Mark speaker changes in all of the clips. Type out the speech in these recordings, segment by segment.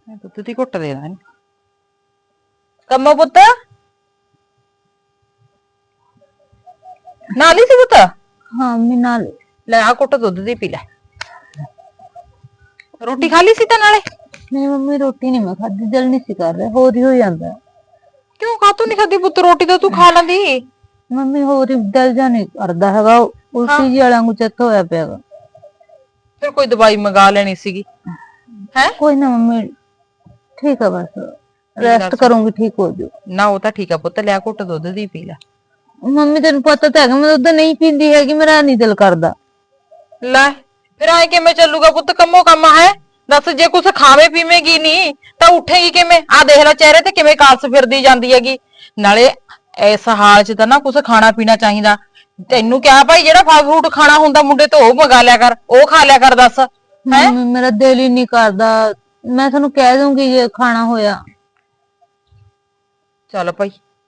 Speaker 1: ਦੁੱਧ ਦੀ ਘੁੱਟ ਦੇ ਦਾਂ ਕੰਮੋ ਪੁੱਤ ਨਾਲ ਹੀ ਸੀ ਪੁੱਤ।
Speaker 2: ਹਾਂ ਮੈਂ ਨਾਲ
Speaker 1: ਲੈ ਆ ਘੁੱਟ ਦੁੱਧ ਦੀ ਪੀ ਲੈ। ਰੋਟੀ ਖਾ ਲਈ ਸੀ ਤਾਂ ਨਾਲੇ?
Speaker 2: ਨਹੀਂ ਮੰਮੀ ਰੋਟੀ ਨਹੀਂ ਮੈਂ ਖਾਦੀ, ਦਿਲ ਨਹੀਂ ਸੀ ਕਰ ਰਿਹਾ, ਹੋਰ ਹੀ ਹੋ ਜਾਂਦਾ।
Speaker 1: ਕਿਉਂ ਕਾਤੋਂ ਨਹੀਂ ਖਾਦੀ ਪੁੱਤ? ਰੋਟੀ ਤਾਂ ਤੂੰ ਖਾ ਲੈਂਦੀ।
Speaker 2: ਮੰਮੀ ਹੋਰ ਹੀ ਦਿਲ ਜਾ ਨਹੀਂ ਕਰਦਾ ਹੈਗਾ, ਉਲਟੀ ਜੀ ਵਾਲਾ ਨੂੰ ਚੱਤ ਹੋਇਆ ਪਿਆ ਵਾ।
Speaker 1: ਫਿਰ ਕੋਈ ਦਵਾਈ ਮੰਗਾ ਲੈਣੀ ਸੀਗੀ ਹੈ।
Speaker 2: ਕੋਈ ਨਾ ਮੰਮੀ ਠੀਕ ਆ, ਬਸ ਰੈਸਟ ਕਰੂੰਗੀ ਠੀਕ ਹੋ ਜੂ।
Speaker 1: ਨਾ ਉਹ ਤਾਂ ਠੀਕ ਆ ਪੁੱਤ, ਲਿਆ ਘੁੱਟ ਦੁੱਧ ਦੀ ਪੀ ਲੈ।
Speaker 2: ਮੰਮੀ ਤੈਨੂੰ ਪਤਾ ਤਾਂ ਹੈਗਾ ਮੈਂ ਦੁੱਧ ਨਹੀਂ ਪੀਂਦੀ ਹੈਗੀ, ਮੇਰਾ ਨਹੀਂ ਦਿਲ ਕਰਦਾ।
Speaker 1: ਲੈ ਫਿਰ ਆਏ ਕਿਵੇਂ ਚੱਲੂਗਾ ਪੁੱਤ? ਕੰਮੋ ਕੰਮ ਹੈ ਦੱਸ, ਜੇ ਕੁਛ ਖਾਵੇ ਪੀਵੇਂਗੀ ਨਹੀਂ ਤਾਂ ਉੱਠੇਗੀ ਕਿਵੇਂ? ਆ ਦੇਖ ਲੈ ਚਿਹਰੇ ਤੇ ਕਿਵੇਂ ਕਾਲਸ ਫਿਰਦੀ ਜਾਂਦੀ ਹੈਗੀ। ਨਾਲੇ ਇਸ ਹਾਲ 'ਚ ਤਾਂ ਨਾ ਕੁਛ ਖਾਣਾ ਪੀਣਾ ਚਾਹੀਦਾ। ਤੈਨੂੰ ਕਿਹਾ ਭਾਈ ਜਿਹੜਾ ਫਲ ਫਰੂਟ ਖਾਣਾ ਹੁੰਦਾ ਮੁੰਡੇ ਤੋਂ ਉਹ ਮੰਗਾ ਲਿਆ ਕਰ, ਉਹ ਖਾ ਲਿਆ ਕਰ। ਦੱਸ ਹੈ
Speaker 2: ਮੇਰਾ ਦਿਲ ਹੀ ਨਹੀਂ ਕਰਦਾ, ਮੈਂ ਤੁਹਾਨੂੰ ਕਹਿ ਦੂੰਗੀ ਜੇ ਖਾਣਾ ਹੋਇਆ।
Speaker 1: ਚੱਲ ਭਾਈ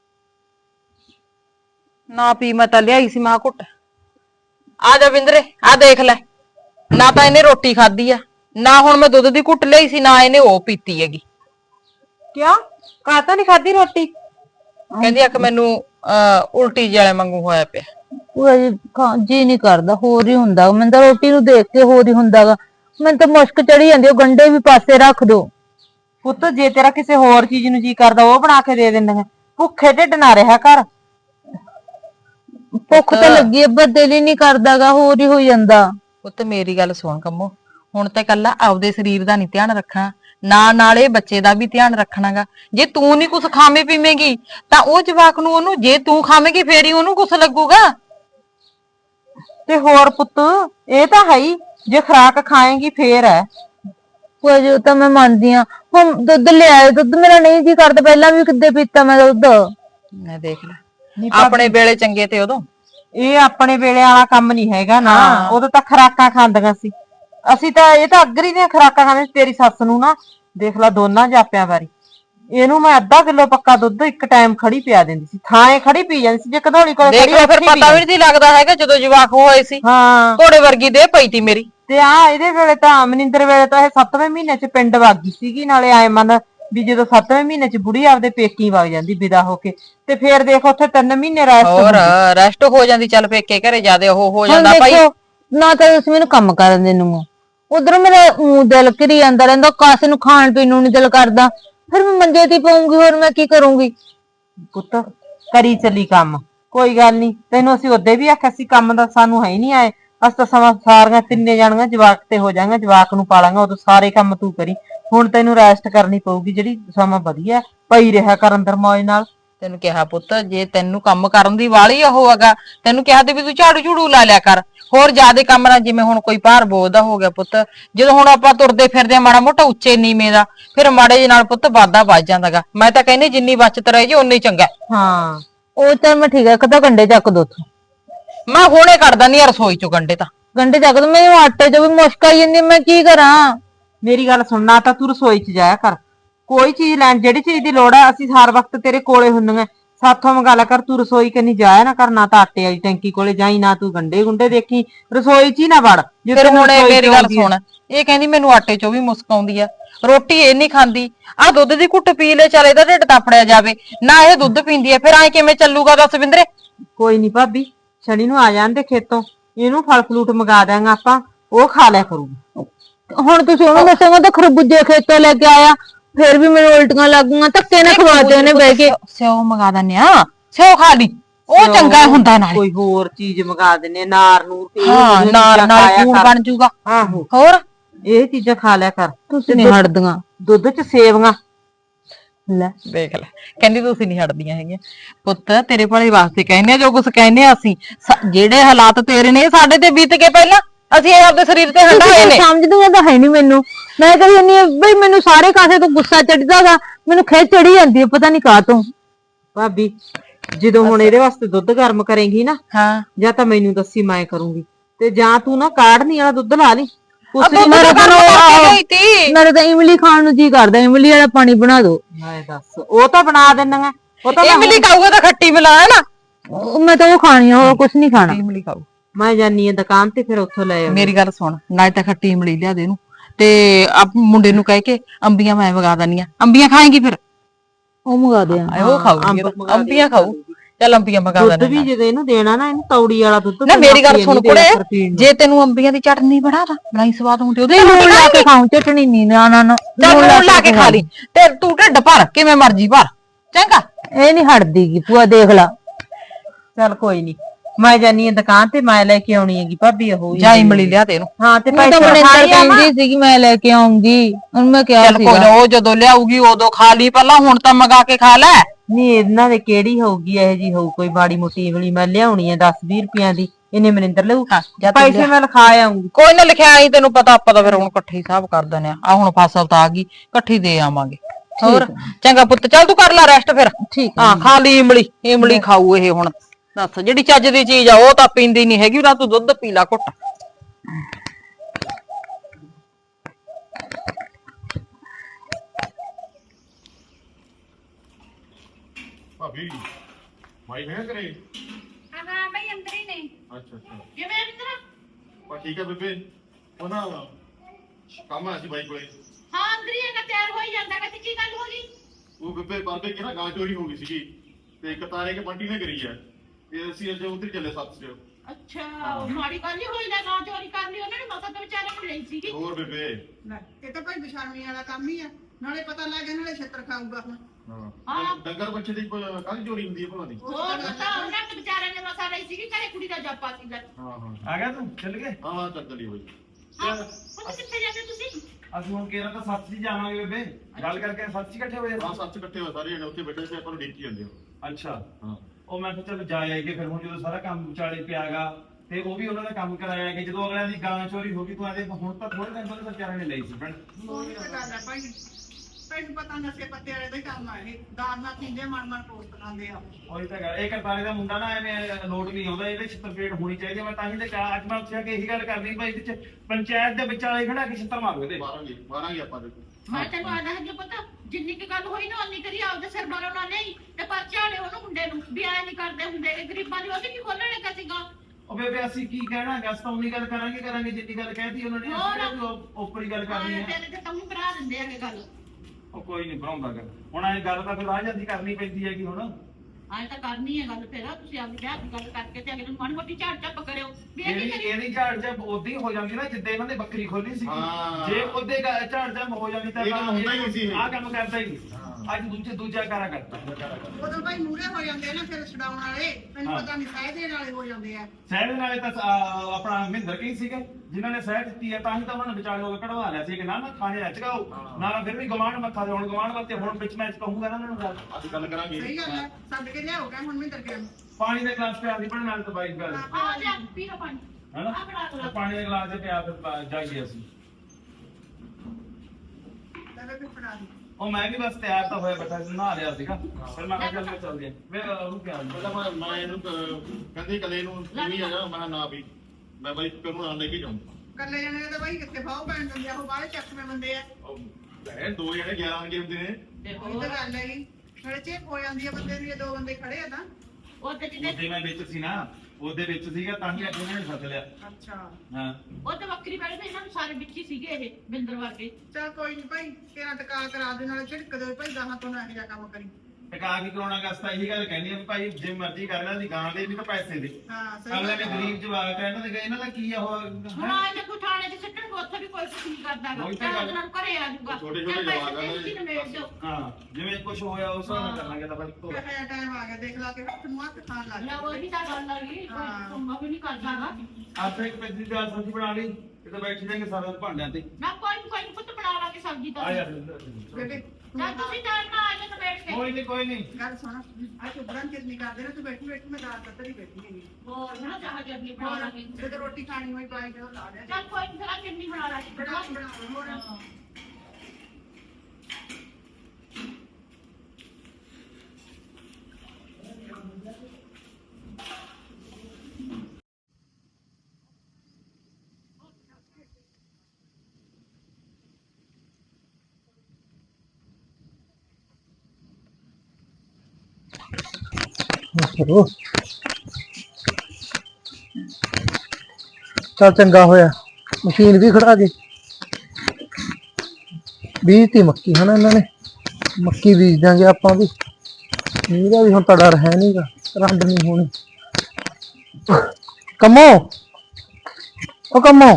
Speaker 1: ਨਾ ਪੀ, ਮੈਂ ਤਾਂ ਲਿਆਈ ਸੀ ਮਾਂ ਘੁੱਟ। ਆ ਜਾ ਵਿੰਦਰੇ, ਆ ਦੇਖ ਲੈ, ਨਾ ਤਾਂ ਇਹਨੇ ਰੋਟੀ ਖਾਧੀ ਆ, ਨਾ ਹੁਣ ਮੈਂ ਦੁੱਧ ਦੀ ਘੁੱਟ ਲਈ ਸੀ, ਨਾ ਇਹਨੇ ਉਹ ਪੀਤੀ ਹੈਗੀ।
Speaker 3: ਕਿਉਂ ਕਾਹਤੋਂ ਨਹੀਂ ਖਾਧੀ ਰੋਟੀ?
Speaker 1: ਕਹਿੰਦੀ ਆ ਕਿ ਮੈਨੂੰ ਉਲਟੀ ਜਿਹੇ ਵਾਂਗੂ ਹੋਇਆ ਪਿਆ।
Speaker 2: ਪੂਰਾ ਜੀ ਨਹੀਂ ਕਰਦਾ, ਹੋਰ ਹੀ ਹੁੰਦਾ। ਮੈਨੂੰ ਤਾਂ ਰੋਟੀ ਨੂੰ ਦੇਖ ਕੇ ਹੋਰ ਹੀ ਹੁੰਦਾਗਾ, ਮੈਨੂੰ ਤਾਂ ਮੁਸ਼ਕ ਚੜੀ ਜਾਂਦੀ। ਉਹ ਗੰਢੇ ਵੀ ਪਾਸੇ ਰੱਖ ਦੋ।
Speaker 3: ਪੁੱਤ ਜੇ ਤੇਰਾ ਕਿਸੇ ਹੋਰ ਚੀਜ਼ ਨੂੰ ਜੀ ਕਰਦਾ ਉਹ ਬਣਾ ਕੇ ਦੇ ਦਿੰਦੇ। ਭੁੱਖੇ ਢਿੱਡ ਨਾ ਰਿਹਾ ਕਰ।
Speaker 2: ਭੁੱਖ ਤਾਂ ਲੱਗੀ ਹੈ ਪਰ ਦਿਲ ਹੀ ਨਹੀਂ ਕਰਦਾਗਾ, ਹੋਰ ਹੀ ਹੋ ਜਾਂਦਾ।
Speaker 1: ਪੁੱਤ ਮੇਰੀ ਗੱਲ ਸੁਣ ਕੰਮੋ, ਹੁਣ ਤਾਂ ਕੱਲਾ ਆਪਦੇ ਸਰੀਰ ਦਾ ਨਹੀਂ ਧਿਆਨ ਰੱਖਣਾ, ਨਾਲ ਇਹ ਬੱਚੇ ਦਾ ਵੀ ਧਿਆਨ ਰੱਖਣਾਗਾ। ਜੇ ਤੂੰ ਨਹੀਂ ਕੁਛ ਖਾਵੇਂ ਪੀਵੇਂਗੀ ਤਾਂ ਉਹ ਜਵਾਕ ਨੂੰ, ਉਹਨੂੰ ਜੇ ਤੂੰ ਖਾਵੇਂਗੀ ਫੇਰ ਹੀ ਉਹਨੂੰ ਕੁਛ ਲੱਗੂਗਾ।
Speaker 3: ਤੇ ਹੋਰ ਪੁੱਤ ਇਹ ਤਾਂ ਹੈ ਹੀ, ਜੇ ਖੁਰਾਕ ਖਾਏਗੀ ਫੇਰ ਹੈ।
Speaker 2: ਭੂਆ ਜੀ ਉਹ ਤਾਂ ਮੈਂ ਮੰਨਦੀ ਆ, ਹੁਣ ਦੁੱਧ ਲਿਆਏ, ਦੁੱਧ ਮੇਰਾ ਨਹੀਂ ਜੀ ਕਰਦਾ। ਪਹਿਲਾਂ ਵੀ ਕਿੱਦੇ ਪੀਤਾ ਮੈਂ ਦੁੱਧ।
Speaker 1: ਮੈਂ ਦੇਖ ਲੈ ਆਪਣੇ ਵੇਲੇ ਚੰਗੇ ਤੇ ਉਦੋਂ।
Speaker 3: ਇਹ ਆਪਣੇ ਵੇਲੇ ਵਾਲਾ ਕੰਮ ਨਹੀਂ ਹੈਗਾ ਨਾ, ਉਦੋਂ ਤਾਂ ਖੁਰਾਕਾਂ ਖਾਂਦੀਆਂ ਸੀ ਅਸੀਂ ਤਾਂ। ਇਹ ਤਾਂ ਅਗਰੀ ਦੀਆਂ ਖੁਰਾਕਾਂ ਖਾਂਦੇ ਸੀ। ਤੇਰੀ ਸੱਸ ਨੂੰ ਨਾ ਦੇਖ ਲੈ ਦੋਨਾਂ ਜਾਪਿਆਂ ਵਾਰੀ ਇਹਨੂੰ ਮੈਂ ਅੱਧਾ ਕਿਲੋ ਪੱਕਾ ਦੁੱਧ ਇੱਕ ਟਾਈਮ ਖੜੀ ਪਿਆ ਦਿੰਦੀ ਸੀ, ਥਾਂ ਖੜੀ ਪੀ ਜਾਂਦੀ ਸੀ। ਜੇ ਕਧੌਲੀ ਕੋਲ
Speaker 1: ਦੇਖ ਲੈ ਫਿਰ ਪਤਾ ਵੀ ਨਹੀਂ ਲੱਗਦਾ ਹੈਗਾ ਜਦੋਂ ਜਵਾਕ ਹੋਏ ਸੀ।
Speaker 3: ਹਾਂ
Speaker 1: ਘੋੜੇ ਵਰਗੀ ਦੇ ਪਈ ਤੀ ਮੇਰੀ।
Speaker 3: ਤੇ ਆ ਇਹਦੇ ਵੇਲੇ ਤਾਂ ਮਨਿੰਦਰ ਵੇਲੇ ਤਾਂ ਇਹ 7ਵੇਂ ਮਹੀਨੇ ਚ ਪਿੰਡ ਵਗ ਗਈ ਸੀਗੀ। ਨਾਲੇ ਆਏ ਮੰਨ ਵੀ ਜਦੋਂ 7ਵੇਂ ਮਹੀਨੇ ਚ ਬੁੜੀ ਆਪਦੇ ਪੇਕੀ ਵਗ ਜਾਂਦੀ ਵਿਦਾ ਹੋ ਕੇ, ਤੇ ਫੇਰ ਦੇਖ ਉੱਥੇ 3 ਮਹੀਨੇ
Speaker 1: ਰੈਸਟ ਹੋ ਜਾਂਦੀ। ਚੱਲ ਪੇਕੇ ਘਰੇ ਜਾਦੇ ਉਹ ਹੋ ਜਾਂਦਾ ਭਾਈ।
Speaker 2: ਨਾ ਤਾਂ ਤੁਸੀਂ ਮੈਨੂੰ ਕੰਮ ਕਰਨ ਦੇ ਨੂੰ, ਉਧਰ ਮੇਰਾ ਦਿਲ ਘਿਰੀ ਜਾਂਦਾ ਰਹਿੰਦਾ, ਕਾਸੇ ਨੂੰ ਖਾਣ ਪੀਣ ਨੂੰ ਨੀ ਦਿਲ ਕਰਦਾ। ਫਿਰ ਮੈਂ ਮੰਜੇ ਤੇ ਪਾਉਂਗੀ, ਹੋਰ ਮੈਂ ਕੀ ਕਰੂੰਗੀ?
Speaker 3: ਪੁੱਤ ਕਰੀ ਚੱਲੀ ਕੰਮ, ਕੋਈ ਗੱਲ ਨੀ। ਤੈਨੂੰ ਅਸੀਂ ਉਹਦੇ ਵੀ ਆਖਿਆ ਸੀ ਕੰਮ ਦਾ, ਸਾਨੂੰ ਹੈ ਹੀ ਨਹੀਂ ਆਏ। ਅਸੀਂ ਤਾਂ ਸਮਾਂ ਸਾਰੀਆਂ ਤਿੰਨੇ ਜਾਣੀਆਂ ਜਵਾਕ ਤੇ ਹੋ ਜਾਵਾਂਗਾ, ਜਵਾਕ ਨੂੰ ਪਾਲਾਂਗਾ, ਉਦੋਂ ਸਾਰੇ ਕੰਮ ਤੂੰ ਕਰੀ। ਹੁਣ ਤੈਨੂੰ ਰੈਸਟ ਕਰਨੀ ਪਊਗੀ, ਜਿਹੜੀ ਸਮਾਂ ਵਧੀਆ ਪਈ ਰਿਹਾ ਕਰ ਅੰਦਰ ਮੌਜ ਨਾਲ।
Speaker 1: ਤੈਨੂੰ ਕਿਹਾ ਪੁੱਤ, ਜੇ ਤੈਨੂੰ ਕੰਮ ਕਰਨ ਦੀ ਵਾਲੀ ਉਹ ਹੈਗਾ, ਤੈਨੂੰ ਕਿਹਾ ਤੇ ਵੀ ਤੂੰ ਝਾੜੂ ਝੂੜੂ ਲਾ ਲਿਆ ਕਰ। ਹੋਰ ਜ਼ਿਆਦਾ ਕੰਮ ਨਾ, ਜਿਵੇਂ ਹੁਣ ਕੋਈ ਭਾਰ ਬੋਝਦਾ ਹੋ ਗਿਆ ਪੁੱਤ, ਜਦੋਂ ਹੁਣ ਆਪਾਂ ਤੁਰਦੇ ਫਿਰਦੇ ਮਾੜਾ ਮੋਟਾ ਉੱਚੇ ਨੀਵੇਂ ਦਾ, ਫਿਰ ਮਾੜੇ ਜਿਹੇ ਨਾਲ ਪੁੱਤ ਵਾਧਾ ਵੱਜ ਜਾਂਦਾਗਾ। ਮੈਂ ਤਾਂ ਕਹਿੰਦੀ ਜਿੰਨੀ ਬਚਤ ਰਹੇ ਜੀ ਓਨੀ ਚੰਗਾ।
Speaker 3: ਹਾਂ
Speaker 2: ਉਹ ਤਾਂ ਮੈਂ ਠੀਕ ਹੈ, ਇੱਕ ਤਾਂ ਗੰਡੇ ਚੱਕ ਦੋ।
Speaker 1: ਮੈਂ ਹੁਣੇ ਕੱਢ ਦਿੰਦੀ ਆ ਰਸੋਈ ਚੋਂ ਗੰਡੇ। ਤਾਂ
Speaker 2: ਗੰਡੇ ਚੱਕ ਦੋ, ਮੈਨੂੰ ਆਟੇ ਚੋਂ ਵੀ ਮੁਸ਼ਕ ਆਈ ਜਾਂਦੀ, ਮੈਂ ਕੀ ਕਰਾਂ?
Speaker 3: ਮੇਰੀ ਗੱਲ ਸੁਣਨਾ, ਤਾਂ ਤੂੰ ਰਸੋਈ ਚ ਜਾਇਆ ਕਰ। ਕੋਈ ਚੀਜ਼ ਲੈਣ, ਜਿਹੜੀ ਚੀਜ਼ ਦੀ ਲੋੜ ਹੈ ਅਸੀਂ ਹਰ ਵਕਤ ਤੇਰੇ ਕੋਲੇ ਹੁੰਦੀਆਂ। ਸਾਥੋਂ ਮੰਗਾ ਲਿਆ ਕਰ। ਤੂੰ ਰਸੋਈ ਕੰਨੀ ਜਾਇਆ ਨਾ ਕਰ, ਨਾ ਤਾਂ ਆਟੇ ਵਾਲੀ ਟੈਂਕੀ ਕੋਲੇ ਜਾਈ, ਨਾ ਤੂੰ ਗੰਡੇ ਗੁੰਡੇ ਦੇਖੀ। ਰਸੋਈ ਚ ਹੀ ਨਾ ਵੜ।
Speaker 1: ਫਿਰ ਹੁਣ ਮੇਰੀ ਗੱਲ ਸੁਣ, ਇਹ ਕਹਿੰਦੀ ਮੈਨੂੰ ਆਟੇ ਚੋਂ ਵੀ ਮੁਸਕ ਆਉਂਦੀ ਆ, ਰੋਟੀ ਇਹ ਨਹੀਂ ਖਾਂਦੀ, ਆਹ ਦੁੱਧ ਦੀ ਘੁੱਟ ਪੀ ਲੈ, ਚੱਲ ਇਹਦਾ ਢਿੱਡ ਤਾਂ ਫੜਿਆ ਜਾਵੇ। ਨਾ ਇਹ ਦੁੱਧ ਪੀਂਦੀ ਆ, ਫਿਰ ਐ ਕਿਵੇਂ ਚੱਲੂਗਾ ਦੱਸ ਵਿੰਦਰੇ?
Speaker 3: ਕੋਈ ਨੀ ਭਾਬੀ, ਸ਼ਨੀ ਨੂੰ ਆ ਜਾਂਦੇ ਖੇਤੋਂ, ਇਹਨੂੰ ਫਲ ਫਲੂਟ ਮੰਗਾ ਦਿਆਂਗਾ ਆਪਾਂ, ਉਹ ਖਾ ਲਿਆ ਕਰੂਗੀ।
Speaker 2: ਹੁਣ ਤੁਸੀਂ ਉਹਨੂੰ ਦੱਸੋਗੇ ਤਾਂ ਖਰਬੂਜੇ ਖੇਤੋਂ ਲੈ ਕੇ ਆਇਆ, ਫਿਰ ਵੀ ਮੈਨੂੰ ਉਲਟੀਆਂ ਲੱਗੂਆਂ। ਧੱਕੇ ਨਾਲ ਖਵਾਤੇ ਉਹਨੇ ਬਹਿ ਕੇ।
Speaker 1: ਸਿਓ ਮੰਗਾ ਦਿੰਨੇ ਆ, ਸਿਓ ਖਾ ਲਈ, ਉਹ ਚੰਗਾ ਹੁੰਦਾ। ਨਾਲ
Speaker 3: ਕੋਈ ਹੋਰ ਚੀਜ਼ ਮੰਗਾ ਦਿੰਨੇ, ਨਾਰ ਨੂਰ ਤੇ
Speaker 1: ਹਾਂ, ਨਾਰ ਨਾਲ ਖੂਨ ਬਣ ਜਾਊਗਾ।
Speaker 3: ਆਹੋ
Speaker 1: ਹੋਰ
Speaker 3: ਇਹ ਚੀਜ਼ਾਂ ਖਾ ਲਿਆ ਕਰ।
Speaker 2: ਤੁਸੀਂ ਨਹੀਂ ਹਟਦੀਆਂ।
Speaker 3: ਦੁੱਧ ਚ ਸੇਵੀਆਂ
Speaker 1: ਲੈ ਦੇਖ ਲੈ, ਕਹਿੰਦੀ ਤੁਸੀਂ ਨਹੀਂ ਹਟਦੀਆਂ ਹੈਗੀਆਂ। ਪੁੱਤ ਤੇਰੇ ਭਲੇ ਵਾਸਤੇ ਕਹਿੰਦੇ ਆ, ਜੋ ਕੁਛ ਕਹਿੰਦੇ ਆ ਅਸੀਂ। ਜਿਹੜੇ ਹਾਲਾਤ ਤੇਰੇ ਨੇ ਸਾਡੇ ਤੇ ਬੀਤ ਕੇ ਪਹਿਲਾਂ, ਅਸੀਂ ਇਹ ਆਪਦੇ ਸਰੀਰ ਤੇ ਹਟਾਏ ਨੇ।
Speaker 2: ਸਮਝਦੀਆਂ ਤਾਂ ਹੈ ਨਹੀਂ ਮੈਨੂੰ। ਮੈਂ ਕਹੀ ਜਾਂਦੀ ਆ ਬਈ ਮੈਨੂੰ ਸਾਰੇ ਕਾਸੇ ਤੋਂ ਗੁੱਸਾ ਚੜਦਾਗਾ, ਮੈਨੂੰ ਖਿੱਚ ਚੜੀ ਜਾਂਦੀ ਹੈ, ਪਤਾ ਨਹੀਂ ਕਾਹ ਤੋਂ।
Speaker 3: ਭਾਬੀ ਜਦੋਂ ਹੁਣ ਇਹਦੇ ਵਾਸਤੇ ਦੁੱਧ ਗਰਮ ਕਰੇਂਗੀ ਨਾ,
Speaker 1: ਹਾਂ,
Speaker 3: ਜਾਂ ਤਾਂ ਮੈਨੂੰ ਦੱਸੀ, ਮੈਂ ਕਰੂੰਗੀ। ਤੇ ਜਾਂ ਤੂੰ ਨਾ ਕਾੜਨੀ ਵਾਲਾ ਦੁੱਧ ਲਾ ਲਈ।
Speaker 2: ਮੇਰੇ ਤਾਂ ਇਮਲੀ ਖਾਣ ਨੂੰ ਜੀ ਕਰਦਾ, ਇਮਲੀ ਵਾਲਾ ਪਾਣੀ ਬਣਾ ਦੋ।
Speaker 3: ਮੈਂ ਦੱਸ, ਉਹ ਤਾਂ ਬਣਾ ਦਿੰਨੀਆਂ। ਉਹ ਤਾਂ
Speaker 1: ਇਮਲੀ ਖਾਊਗਾ ਤਾਂ ਖੱਟੀ ਮਿਲਾ ਹੈ ਨਾ।
Speaker 2: ਮੈਂ ਤਾਂ ਉਹ ਖਾਣੀ ਆ, ਹੋਰ ਕੁਛ ਨਹੀਂ ਖਾਣਾ।
Speaker 1: ਇਮਲੀ ਖਾਊ।
Speaker 3: ਮੈਂ ਜਾਨੀ ਆ ਦੁਕਾਨ ਤੇ, ਫਿਰ ਉੱਥੋਂ ਲੈ ਆਉਂਦੀ।
Speaker 1: ਮੇਰੀ ਗੱਲ ਸੁਣ, ਨਾ ਤਾਂ ਖੱਟੀ ਇਮਲੀ ਲਿਆ ਦੇ ਇਹਨੂੰ, ਤੇ ਆ ਮੁੰਡੇ ਨੂੰ ਕਹਿ ਕੇ ਅੰਬੀਆਂ ਮੈਂ ਵਗਾ ਦਨੀਆਂ, ਅੰਬੀਆਂ ਖਾਏਂਗੀ ਫਿਰ?
Speaker 2: ਉਹ ਮੰਗਾ ਦੇ
Speaker 1: ਆਏ ਉਹ ਖਾਊਗੀ, ਅੰਬੀਆਂ ਖਾਊ। ਚੱਲ ਅੰਬੀਆਂ ਮੰਗਾ
Speaker 3: ਦੁੱਧ
Speaker 1: ਦੇਣਾ।
Speaker 3: ਵੀ ਜਦੋਂ ਇਹਨੂੰ ਦੇਣਾ ਨਾ, ਇਹਨੂੰ ਤੌੜੀ ਵਾਲਾ ਦੁੱਧ
Speaker 1: ਨਾ ਮੇਰੀ ਗੱਲ ਸੁਣ ਕੁੜੇ,
Speaker 3: ਪੀਣ
Speaker 1: ਜੇ ਤੈਨੂੰ ਅੰਬੀਆਂ ਦੀ ਚਟਨੀ ਬਣਾ ਦਾਂ, ਬੜੀ ਸਵਾਦ ਹੁੰਦੀ ਉਹਦੇ
Speaker 2: ਲੂਣ
Speaker 1: ਨਾਲ
Speaker 2: ਲਾ ਕੇ ਖਾਉਂ, ਚਟਣੀ ਨਹੀਂ, ਨਾ ਨਾ ਨਾ
Speaker 1: ਚੱਲ ਲੂਣ ਲਾ ਕੇ ਖਾ ਲਈ ਤੇ ਤੂੰ ਢਿੱਡ ਭਰ ਕਿਵੇਂ ਮਰਜੀ ਭਰ, ਚੰਗਾ।
Speaker 2: ਇਹ ਨਹੀਂ ਹਟਦੀ ਗੀ ਭੂਆ, ਦੇਖ ਲਾ।
Speaker 3: ਚੱਲ ਕੋਈ ਨਹੀਂ, ਮੈਂ ਜਾਨੀ ਆ ਦੁਕਾਨ ਤੇ, ਮੈਂ ਲੈ ਕੇ ਆਉਣੀ ਹੈਗੀ ਭਾਬੀ ਉਹ
Speaker 1: ਜਾ ਇਮਲੀ ਲਿਆ ਤੇ ਇਹਨੂੰ।
Speaker 3: ਹਾਂ ਤੇ
Speaker 2: ਮੈਂ ਤਾਂ
Speaker 3: ਪੈਸੇ
Speaker 2: ਮਨਿੰਦਰ ਕਹਿੰਦੀ ਸੀਗੀ ਮੈਂ ਲੈ ਕੇ ਆਉਂਗੀ, ਹੁਣ ਮੈਂ ਕਿਹਾ
Speaker 1: ਚੱਲ ਕੋਈ ਨਾ, ਉਹ ਜਦੋਂ ਲਿਆਊਗੀ ਉਦੋਂ ਖਾ ਲਈ, ਪਹਿਲਾਂ ਹੁਣ ਤਾਂ ਮੰਗਾ ਕੇ ਖਾ ਲੈ।
Speaker 3: ਨਹੀਂ ਇਹਨਾਂ ਦੇ ਕਿਹੜੀ ਹੋਊਗੀ, ਇਹ ਜੀ ਹੋਊ ਕੋਈ ਮਾੜੀ ਮੋਟੀ ਇਮਲੀ, ਮੈਂ ਲਿਆਉਣੀ ਆ 10-20 ਰੁਪਈਆਂ ਦੀ, ਇਹਨੇ ਮਨਿੰਦਰ ਲਊ,
Speaker 1: ਜਾ ਤੂੰ
Speaker 3: ਪੈਸੇ ਮੈਂ ਲਿਖਾ ਆਉਂਗੀ।
Speaker 1: ਕੋਈ ਨਾ ਲਿਖਿਆ ਆਈ, ਤੈਨੂੰ ਪਤਾ ਆਪਾਂ ਤਾਂ ਫਿਰ ਹੁਣ ਇਕੱਠੇ ਹਿਸਾਬ ਕਰ ਦਿੰਦੇ ਆ ਹੁਣ ਫਸਲ ਤਾਂ ਆ ਗਈ, ਇਕੱਠੀ ਦੇ ਆਵਾਂਗੇ। ਹੋਰ ਚੰਗਾ ਪੁੱਤ, ਚੱਲ ਤੂੰ ਕਰ ਲੈ ਰੈਸਟ ਫਿਰ।
Speaker 2: ਠੀਕ
Speaker 1: ਹਾਂ ਖਾ ਲਈ ਇਮਲੀ, ਇਮਲੀ ਖਾਊ ਇਹ ਹੁਣ। ਦੱਸ ਜਿਹੜੀ ਚੱਜ ਦੀ ਚੀਜ਼ ਆ ਉਹ ਤਾਂ ਪੀਂਦੀ ਨਹੀਂ ਹੈਗੀ, ਨਾ ਤੂੰ ਦੁੱਧ ਪੀ ਲਾ ਘੁੱਟ।
Speaker 4: ਭਾਬੀ ਮਾਈ ਹੈ ਕਰੇ?
Speaker 5: ਹਾਂ ਭਾਈ ਅੰਦਰ ਹੀ ਨੇ।
Speaker 4: ਅੱਛਾ ਅੱਛਾ,
Speaker 5: ਜਿਵੇਂ ਅੰਦਰ।
Speaker 4: ਬਸ ਠੀਕ ਹੈ ਬੇਬੇ, ਉਹ ਨਾ ਕੰਮ ਆਇਆ ਸੀ ਬਾਈ ਕੋਲੇ।
Speaker 5: ਹਾਂ ਅੰਦਰ ਹੀ ਹੈਗਾ, ਤਿਆਰ ਹੋਈ ਜਾਂਦਾ। ਕਦੀ ਕੀ ਗੱਲ ਹੋ ਗਈ?
Speaker 4: ਉਹ ਬੇਬੇ ਪਰਦੇ ਕਿ ਨਾ ਗਾਂ ਚੋਰੀ ਹੋ ਗਈ ਸੀਗੀ, ਤੇ ਇੱਕ ਤਾਰੇ ਕੇ ਬੰਟੀ ਨੇ ਕਰੀ ਹੈ, ਤੇ ਅਸੀਂ ਅੱਜ ਉੱਧਰ ਚੱਲੇ ਸੱਤ ਚ।
Speaker 5: ਅੱਛਾ, ਮਾੜੀ ਗੱਲ ਹੀ ਹੋਈ ਨਾ, ਗਾਂ ਚੋਰੀ ਕਰ ਲਈ ਉਹਨਾਂ ਨੇ, ਮਸਾ ਤਾਂ ਵਿਚਾਰੇ ਨੂੰ ਲਈ ਸੀਗੀ।
Speaker 4: ਹੋਰ ਬੇਬੇ।
Speaker 6: ਲੈ ਇਹ ਤਾਂ ਭਾਈ ਬਿਸ਼ਰਮੀ ਵਾਲਾ ਕੰਮ ਹੀ ਆ, ਨਾਲੇ ਪਤਾ ਲੱਗ ਗਿਆ ਨਾਲੇ ਛੱਤਰ ਖਾਊਗਾ ਹੁਣ।
Speaker 4: ਹਾਂ ਡੰਗਰ ਬੱਚੇ ਦੀ ਕਾਹਦੀ ਚੋਰੀ ਹੁੰਦੀ ਹੈ ਭਲਾ ਦੀ?
Speaker 5: ਹੋਰ ਪਤਾ ਉਹਨਾਂ ਨੇ ਵਿਚਾਰਿਆਂ ਨੇ ਮਸਾ ਲਈ ਸੀਗੀ, ਘਰੇ ਕੁੜੀ ਦਾ ਜਾਪਾ ਸੀਗਾ।
Speaker 4: ਹਾਂ ਹਾਂ
Speaker 7: ਆ ਗਿਆ ਤੂੰ ਚੱਲ ਗਏ।
Speaker 4: ਹਾਂ ਹਾਂ, ਚੱਲ ਚਲੀ ਬਾਈ।
Speaker 5: ਹਾਂ ਪੁੱਤ ਕਿੱਥੇ ਜਾਂਦੇ ਤੁਸੀਂ?
Speaker 7: ਅਸੀਂ ਹੁਣ ਕਿਹੜਾ ਤਾਂ ਸੱਤ ਜੀ ਜਾਵਾਂਗੇ ਬੇਬੇ, ਗੱਲ ਕਰਕੇ ਸੱਤ ਜੀ ਇਕੱਠੇ ਹੋਏ
Speaker 4: ਹਾਂ
Speaker 7: ਅਸੀਂ।
Speaker 4: ਸੱਤ ਚ ਇਕੱਠੇ ਹੋਏ ਸਾਰੇ ਜਣੇ, ਉੱਥੇ ਬੈਠੇ ਸੀ, ਆਪਾਂ ਨੂੰ ਦੇਖੀ ਜਾਂਦੇ ਹੋ।
Speaker 7: ਅੱਛਾ,
Speaker 4: ਹਾਂ
Speaker 7: ਉਹ ਮੈਂ ਕਿਹਾ ਚੱਲ ਜਾ ਆਏਗੇ ਫਿਰ, ਹੁਣ ਜਦੋਂ ਸਾਰਾ ਕੰਮ ਵਿਚਾਲੇ ਪਿਆਗਾ ਤੇ ਉਹ ਵੀ ਉਹਨਾਂ ਦਾ ਕੰਮ ਕਰਾਇਆ ਕਿ ਜਦੋਂ ਅਗਲਿਆਂ ਦੀ ਗਾਂ ਚੋਰੀ ਹੋ ਗਈ, ਤੂੰ ਆਦੇ ਹੁਣ ਤਾਂ ਥੋੜੇ ਦਿਨ ਤੋਂ ਵਿਚਾਰਿਆਂ ਨੇ ਲਈ ਸੀ ਭੈਣ।
Speaker 6: ਉਹੀ ਤਾਂ ਗੱਲ ਆ ਭਾਈ, ਤੈਨੂੰ ਪਤਾ ਨਸ਼ੇ ਪੱਤੇ ਵਾਲੇ ਦਾ ਹੀ ਕੰਮ ਆ ਇਹ, ਦਾਰ ਨਾਲ ਪੀਂਦੇ ਮਨ ਮਨ ਪੋਸਟ ਲਾਉਂਦੇ ਆ।
Speaker 7: ਉਹੀ ਤਾਂ ਗੱਲ, ਇਹ ਕਰਤਾਰੇ ਦਾ ਮੁੰਡਾ ਨਾ ਐਵੇਂ ਲੋਟ ਨਹੀਂ ਆਉਂਦਾ, ਇਹਦੇ ਛਿੱਤਰ ਪੇਟ ਹੋਣੀ ਚਾਹੀਦੀ। ਮੈਂ ਤਾਂ ਹੀ ਤੇ ਕਿਹਾ ਅੱਜ ਮੈਂ ਉੱਥੇ ਆ ਕੇ ਇਹੀ ਗੱਲ ਕਰਨੀ ਭਾਈ, ਇਹਦੇ ਚ ਪੰਚਾਇਤ ਦੇ ਵਿਚਾਲੇ ਖੜਾ ਕੇ ਛਿੱਤਰ ਮਾਰੋ ਇਹਦੇ।
Speaker 4: ਮਾਰਾਂਗੇ ਮਾਰਾਂਗੇ ਆਪਾਂ ਤੇ।
Speaker 5: ਮੈਂ ਤੈਨੂੰ ਆਦਾ ਹੈ ਕਿ ਪਤਾ ਜਿੰਨੀ ਕੀ ਗੱਲ ਹੋਈ ਨਾ ਉਨੀ ਕਰੀ ਆਪਦੇ ਸਿਰ ਮਾਰੋ ਨਾ ਨਹੀਂ ਤੇ ਪਰਚਾ ਲਿਓ ਉਹਨੂੰ ਮੁੰਡੇ ਨੂੰ ਵੀ ਐ ਨਹੀਂ ਕਰਦੇ ਹੁੰਦੇ, ਗਰੀਬਾਂ ਦੀ ਉਹਦੀ ਕੀ ਖੋਲਣੇ ਕਸੀਗਾ।
Speaker 7: ਉਹ ਬੇਬੇ ਅਸੀਂ ਕੀ ਕਹਿਣਾ, ਗਸ ਤਾਂ ਉਨੀ ਗੱਲ ਕਰਾਂਗੇ ਜਿੰਨੀ ਗੱਲ ਕਹਿਤੀ ਉਹਨਾਂ ਨੇ, ਅਸੀਂ ਉੱਪਰ ਹੀ ਗੱਲ ਕਰਨੀ ਹੈ।
Speaker 5: ਤੇਰੇ ਤੇ ਤੈਨੂੰ ਕਰਾ ਦਿੰਦੇ ਆ ਇਹ ਗੱਲ।
Speaker 7: ਉਹ ਕੋਈ ਨਹੀਂ ਬਣਾਉਂਦਾ ਗੱਲ, ਹੁਣ ਇਹ ਗੱਲ ਤਾਂ ਫਿਰ ਆ ਜਾਂਦੀ ਕਰਨੀ ਪੈਂਦੀ ਹੈਗੀ ਹੁਣ।
Speaker 5: ਆਏ ਤਾਂ ਕਰਨੀ ਹੈ ਗੱਲ, ਫਿਰ ਤੁਸੀਂ ਆਪਣੀ ਵਿਆਹ ਦੀ ਗੱਲ ਕਰਕੇ ਤੇ ਅਗਲੇ ਨੂੰ ਮਾੜੀ ਮੋਟੀ ਝਾੜ ਝੱਪ ਕਰਿਓ ਵੀ ਇਹ ਕੀ ਕਰੀ।
Speaker 7: ਇਹਦੀ ਝਾੜ ਜਬ ਉਦੋਂ ਹੀ ਹੋ ਜਾਂਦੀ ਨਾ ਜਿੱਦੇ ਇਹਨਾਂ ਨੇ ਬੱਕਰੀ ਖੋਲੀ ਸੀ,
Speaker 4: ਹਾਂ।
Speaker 7: ਜੇ ਉਹਦੇ ਝਾੜ ਜਬ ਹੋ ਜਾਂਦੀ ਤਾਂ
Speaker 4: ਇਹ ਕੰਮ ਹੁੰਦਾ ਹੀ ਨਹੀਂ ਸੀ ਇਹ।
Speaker 7: ਆਹ ਕੰਮ ਕਰਦਾ ਹੀ ਨਹੀਂ। ਅੱਜ ਦੂਜਾ ਕਾਰਾ ਕਰਤਾ।
Speaker 6: ਉਦੋਂ ਭਾਈ ਮੂਰੇ ਹੋ ਜਾਂਦੇ ਆ ਨਾ ਫਿਰ ਛਡਾਉਣ ਵਾਲੇ, ਤੈਨੂੰ
Speaker 7: ਹਾਂ।
Speaker 6: ਪਤਾ ਨਹੀਂ ਸਾਇ ਦੇਣ ਵਾਲੇ ਹੋ ਜਾਂਦੇ ਆ।
Speaker 7: ਸਹਿਜ ਨਾਲੇ ਤਾਂ ਆਪਣਾ ਮਹਿੰਦਰ ਕੀ ਸੀਗੇ ਜਿਨ੍ਹਾਂ ਨੇ ਸਹਿ ਦਿੱਤੀ ਹੈ, ਤਾਂ ਹੀ ਤਾਂ ਉਹਨਾਂ ਨੇ ਵਿਚਾਲੇ ਲੋਕ ਕਢਵਾ ਲਿਆ ਸੀ ਕਿ ਨਾ ਥਾਣੇ ਚ ਚਕਾਓ ਨਾ, ਫਿਰ ਵੀ ਗਵਾਂਢ ਮੱਥਾ ਦੇ, ਹੁਣ ਗਵਾਂਢ ਵਾਸਤੇ ਹੁਣ ਵਿੱਚ ਮੈਂ ਕਹੂੰਗਾ ਨਾ ਉਹਨਾਂ ਨੂੰ ਗੱਲ।
Speaker 4: ਅੱਜ ਗੱਲ ਕਰਾਂਗੇ।
Speaker 6: ਸਹੀ ਗੱਲ ਹੈ, ਛੱਡ ਕੇ ਲਿਆਓ ਕਹਿ ਹੁਣ ਮਿੰਦਰ ਕੇ
Speaker 7: ਪਾਣੀ ਦੇ ਗਲਾਸ ਪਿਆ ਦੀ ਬਣ ਨਾਲ ਤਾਂ ਬਾਈਕ ਗੱਲ
Speaker 5: ਆ ਜਾ ਪੀ ਲਓ ਪਾਣੀ।
Speaker 7: ਹੈਨਾ,
Speaker 5: ਆ ਬਣਾ
Speaker 7: ਤੇ
Speaker 5: ਲਓ।
Speaker 7: ਪਾਣੀ ਦੇ ਗਲਾਸ ਚ ਪਿਆ ਫਿਰ ਜਾਈਏ ਅਸੀਂ।
Speaker 6: ਤੇ ਫਿਰ ਫੜਾ ਦੇ।
Speaker 7: ਉਹ ਮੈਂ ਵੀ ਬਸ ਤਿਆਰ ਤਾਂ ਹੋਇਆ ਬੈਠਾ ਸੀ, ਨਹਾ ਰਿਹਾ ਸੀਗਾ, ਫਿਰ ਮੈਂ ਕਿਹਾ ਚੱਲ ਮੈਂ ਚੱਲਦੇ ਫਿਰ ਉਹਨੂੰ ਕਿਹਾ
Speaker 4: ਪਹਿਲਾਂ ਮੈਂ ਇਹਨੂੰ ਕਹਿੰਦੀ ਕਲੇ ਨੂੰ ਨਹੀਂ ਆ ਜਾ, ਮੈਂ ਕਿਹਾ ਨਾ ਵੀ ਮੈਂ ਬਾਈ ਨੂੰ ਨਾਲ ਲੈ ਕੇ ਜਾਊਂਗਾ।
Speaker 6: ਕੱਲੇ ਜਣੇ ਤਾਂ ਭਾਈ ਕਿੱਥੇ ਬਾਹੂ ਪੈਣ ਦਿੰਦੇ ਆ, ਉਹ ਬਾਹਲੇ ਚੱਕਵੇਂ ਬੰਦੇ ਆ।
Speaker 4: ਉਹ ਭੈਣ ਦੋ ਜਣੇ 11 ਵਜੇ ਹੁੰਦੇ ਨੇ।
Speaker 5: ਦੇਖੋ
Speaker 6: ਇਹ ਤਾਂ ਗੱਲ ਹੈ ਜੀ, ਥੋੜੇ ਚੇਪ ਹੋ ਜਾਂਦੀ ਆ ਬੰਦੇ ਨੂੰ, ਇਹ ਦੋ ਬੰਦੇ ਖੜੇ ਆ ਤਾਂ।
Speaker 5: ਉਹ ਤੇ ਜਿਹਨੇ
Speaker 7: ਉਹਦੇ ਮੈਂ ਵਿੱਚ ਸੀ ਨਾ, ਉਹਦੇ ਵਿੱਚ ਸੀਗਾ ਤਾਂ ਹੀ ਅੱਜ ਉਹਨਾਂ ਨੇ ਸੱਦ ਲਿਆ।
Speaker 6: ਅੱਛਾ
Speaker 7: ਹਾਂ
Speaker 5: ਉਹ ਤੇ ਬੱਕਰੀ ਵਾਲੇ ਤੇ ਇਹਨਾਂ ਨੂੰ ਸਾਰੇ ਵਿੱਚ ਹੀ ਸੀਗੇ ਇਹ ਬਿੰਦਰ ਵਰਗੇ।
Speaker 6: ਚਲ ਕੋਈ ਨਹੀਂ ਭਾਈ, ਤੇਰਾ ਟਕਾ ਕਰਾ ਦੇ, ਨਾਲੇ ਝਿੜਕ ਦੇ ਭਾਈ ਗਾਹਾਂ ਤੋਂ ਨਾ ਇਹੋ ਜਿਹਾ ਕੰਮ ਕਰੀ।
Speaker 7: ਟਕਾ ਕੀ ਕਰਾਉਣਾ ਗਸਤਾ ਇਹੀ ਗੱਲ ਕਹਿੰਦੀ ਆ ਵੀ ਭਾਈ ਜੇ ਮਰਜ਼ੀ ਕਰ ਲੈ, ਅਸੀਂ ਗਾਂ ਦੇ ਵੀ ਤਾਂ ਪੈਸੇ ਦੇ।
Speaker 6: ਹਾਂ ਸਹੀ
Speaker 7: ਅਗਲੇ ਨੇ
Speaker 6: ਗੱਲ ਆ।
Speaker 7: ਗਰੀਬ ਜਵਾਕ ਆ, ਇਹਨਾਂ ਦਾ ਕੀ ਆ ਉਹ
Speaker 5: ਹੁਣ ਆ ਜੇ ਕੋਈ ਥਾਣੇ 'ਚ ਸਿੱਟਣਗੇ ਉੱਥੇ ਵੀ ਕੋਈ ਕੁਝ ਨਹੀਂ ਕਰਦਾਗਾ,
Speaker 7: ਉਹੀ ਤਾਂ
Speaker 5: ਚੱਲ
Speaker 7: ਗੱਲ।
Speaker 5: ਉਹਨਾਂ ਨੂੰ ਘਰੇ ਆ ਜਾਊਗਾ।
Speaker 4: ਛੋਟੇ ਛੋਟੇ
Speaker 5: ਚੱਲ ਪੈਸੇ
Speaker 4: ਜਵਾਕ ਆ
Speaker 5: ਦੇ
Speaker 4: ਨਾ
Speaker 5: ਦਿੱਤੀ ਤੇ ਮੇੜ ਦਿਓ।
Speaker 7: ਹਾਂ ਜਿਵੇਂ ਕੁਝ ਹੋਇਆ ਉਸ ਹਿਸਾਬ ਨਾਲ ਕਰਨਾਗੇ ਤਾਂ ਭਾਈ
Speaker 6: ਕਿਹੋ ਜਿਹਾ ਟਾਈਮ ਆ ਗਿਆ, ਦੇਖ ਲਾ ਕੇ ਹੱਥ ਨੂੰ ਹੱਥ ਖਾਣ ਲੱਗ
Speaker 5: ਨਾ
Speaker 6: ਗਿਆ।
Speaker 5: ਉਹੀ ਤਾਂ ਗੱਲ ਆ ਗਈ, ਕੋਈ
Speaker 6: ਹਾਂ।
Speaker 5: ਕੰਮ ਵੀ ਨਹੀਂ ਕਰਦਾਗਾ।
Speaker 7: ਆਪੇ ਇੱਕ ਪੈਦੀ ਦਾਲ ਸਬਜ਼ੀ ਬਣਾ ਲਈ, ਕਿਤੇ ਬੈਠ ਜਾਏਗੇ ਸਾਰਾ ਦਿਨ ਭਾਂਡਿਆਂ ਤੇ।
Speaker 5: ਨਾ ਕੋਈ ਨੀ, ਕੋਈ ਨੀ, ਪੁੱਤ ਬਣਾ ਲਾਂਗੇ ਸਬਜ਼ੀ ਤਾਂ।
Speaker 7: ਆ ਯਾਰ
Speaker 6: ਬੇਬੇ
Speaker 5: ਚੱਲ ਤੁਸੀਂ ਤਾਂ ਨਾ ਆ ਜਾ ਤੇ ਬੈਠ ਕੇ।
Speaker 7: ਕੋਈ ਨਹੀਂ
Speaker 6: ਗੱਲ ਸੁਣ, ਆ ਚੁੱਪਰਾਂ ਕਿਰਨੀ ਕਰਦੇ ਨਾ, ਤੂੰ ਬੈਠੀ ਬੈਠੀ ਮੈਂ ਦਾਲ ਤੱਤਰੀ ਬੈਠੀ ਹੈਗੀ।
Speaker 5: ਹੋਰ ਨਾ ਚਾਹ ਜੱਗੀ ਬਣਾ
Speaker 6: ਹੋਰ
Speaker 5: ਲਾਂਗੇ।
Speaker 6: ਜਦੋਂ ਰੋਟੀ ਖਾਣੀ ਹੋਈ ਪਾਈ ਤੇ ਉਹ ਲਾ ਲਿਆ
Speaker 5: ਚੱਲ ਕੋਈ ਨੀ, ਜਰਾ ਕਿੰਨੀ ਬਣਾ ਲਾਂਗੇ।
Speaker 6: ਬਣਾ ਬਣਾ ਹੋਰ
Speaker 5: ਹਾਂ।
Speaker 8: ਚੱਲ ਚੰਗਾ ਹੋਇਆ, ਮਸ਼ੀਨ ਵੀ ਖੜਾ ਗਈ। ਬੀਜਤੀ ਮੱਕੀ ਹਨਾ ਇਹਨਾਂ ਨੇ। ਮੱਕੀ ਬੀਜ ਦਾਂਗੇ ਆਪਾਂ ਵੀ। ਇਹਦਾ ਵੀ ਹੁਣ ਤਾਂ ਡਰ ਹੈ ਨਹੀਂਗਾ, ਰੰਡ ਨਹੀਂ ਹੋਣੀ। ਕੰਮੋ, ਉਹ ਕੰਮੋ,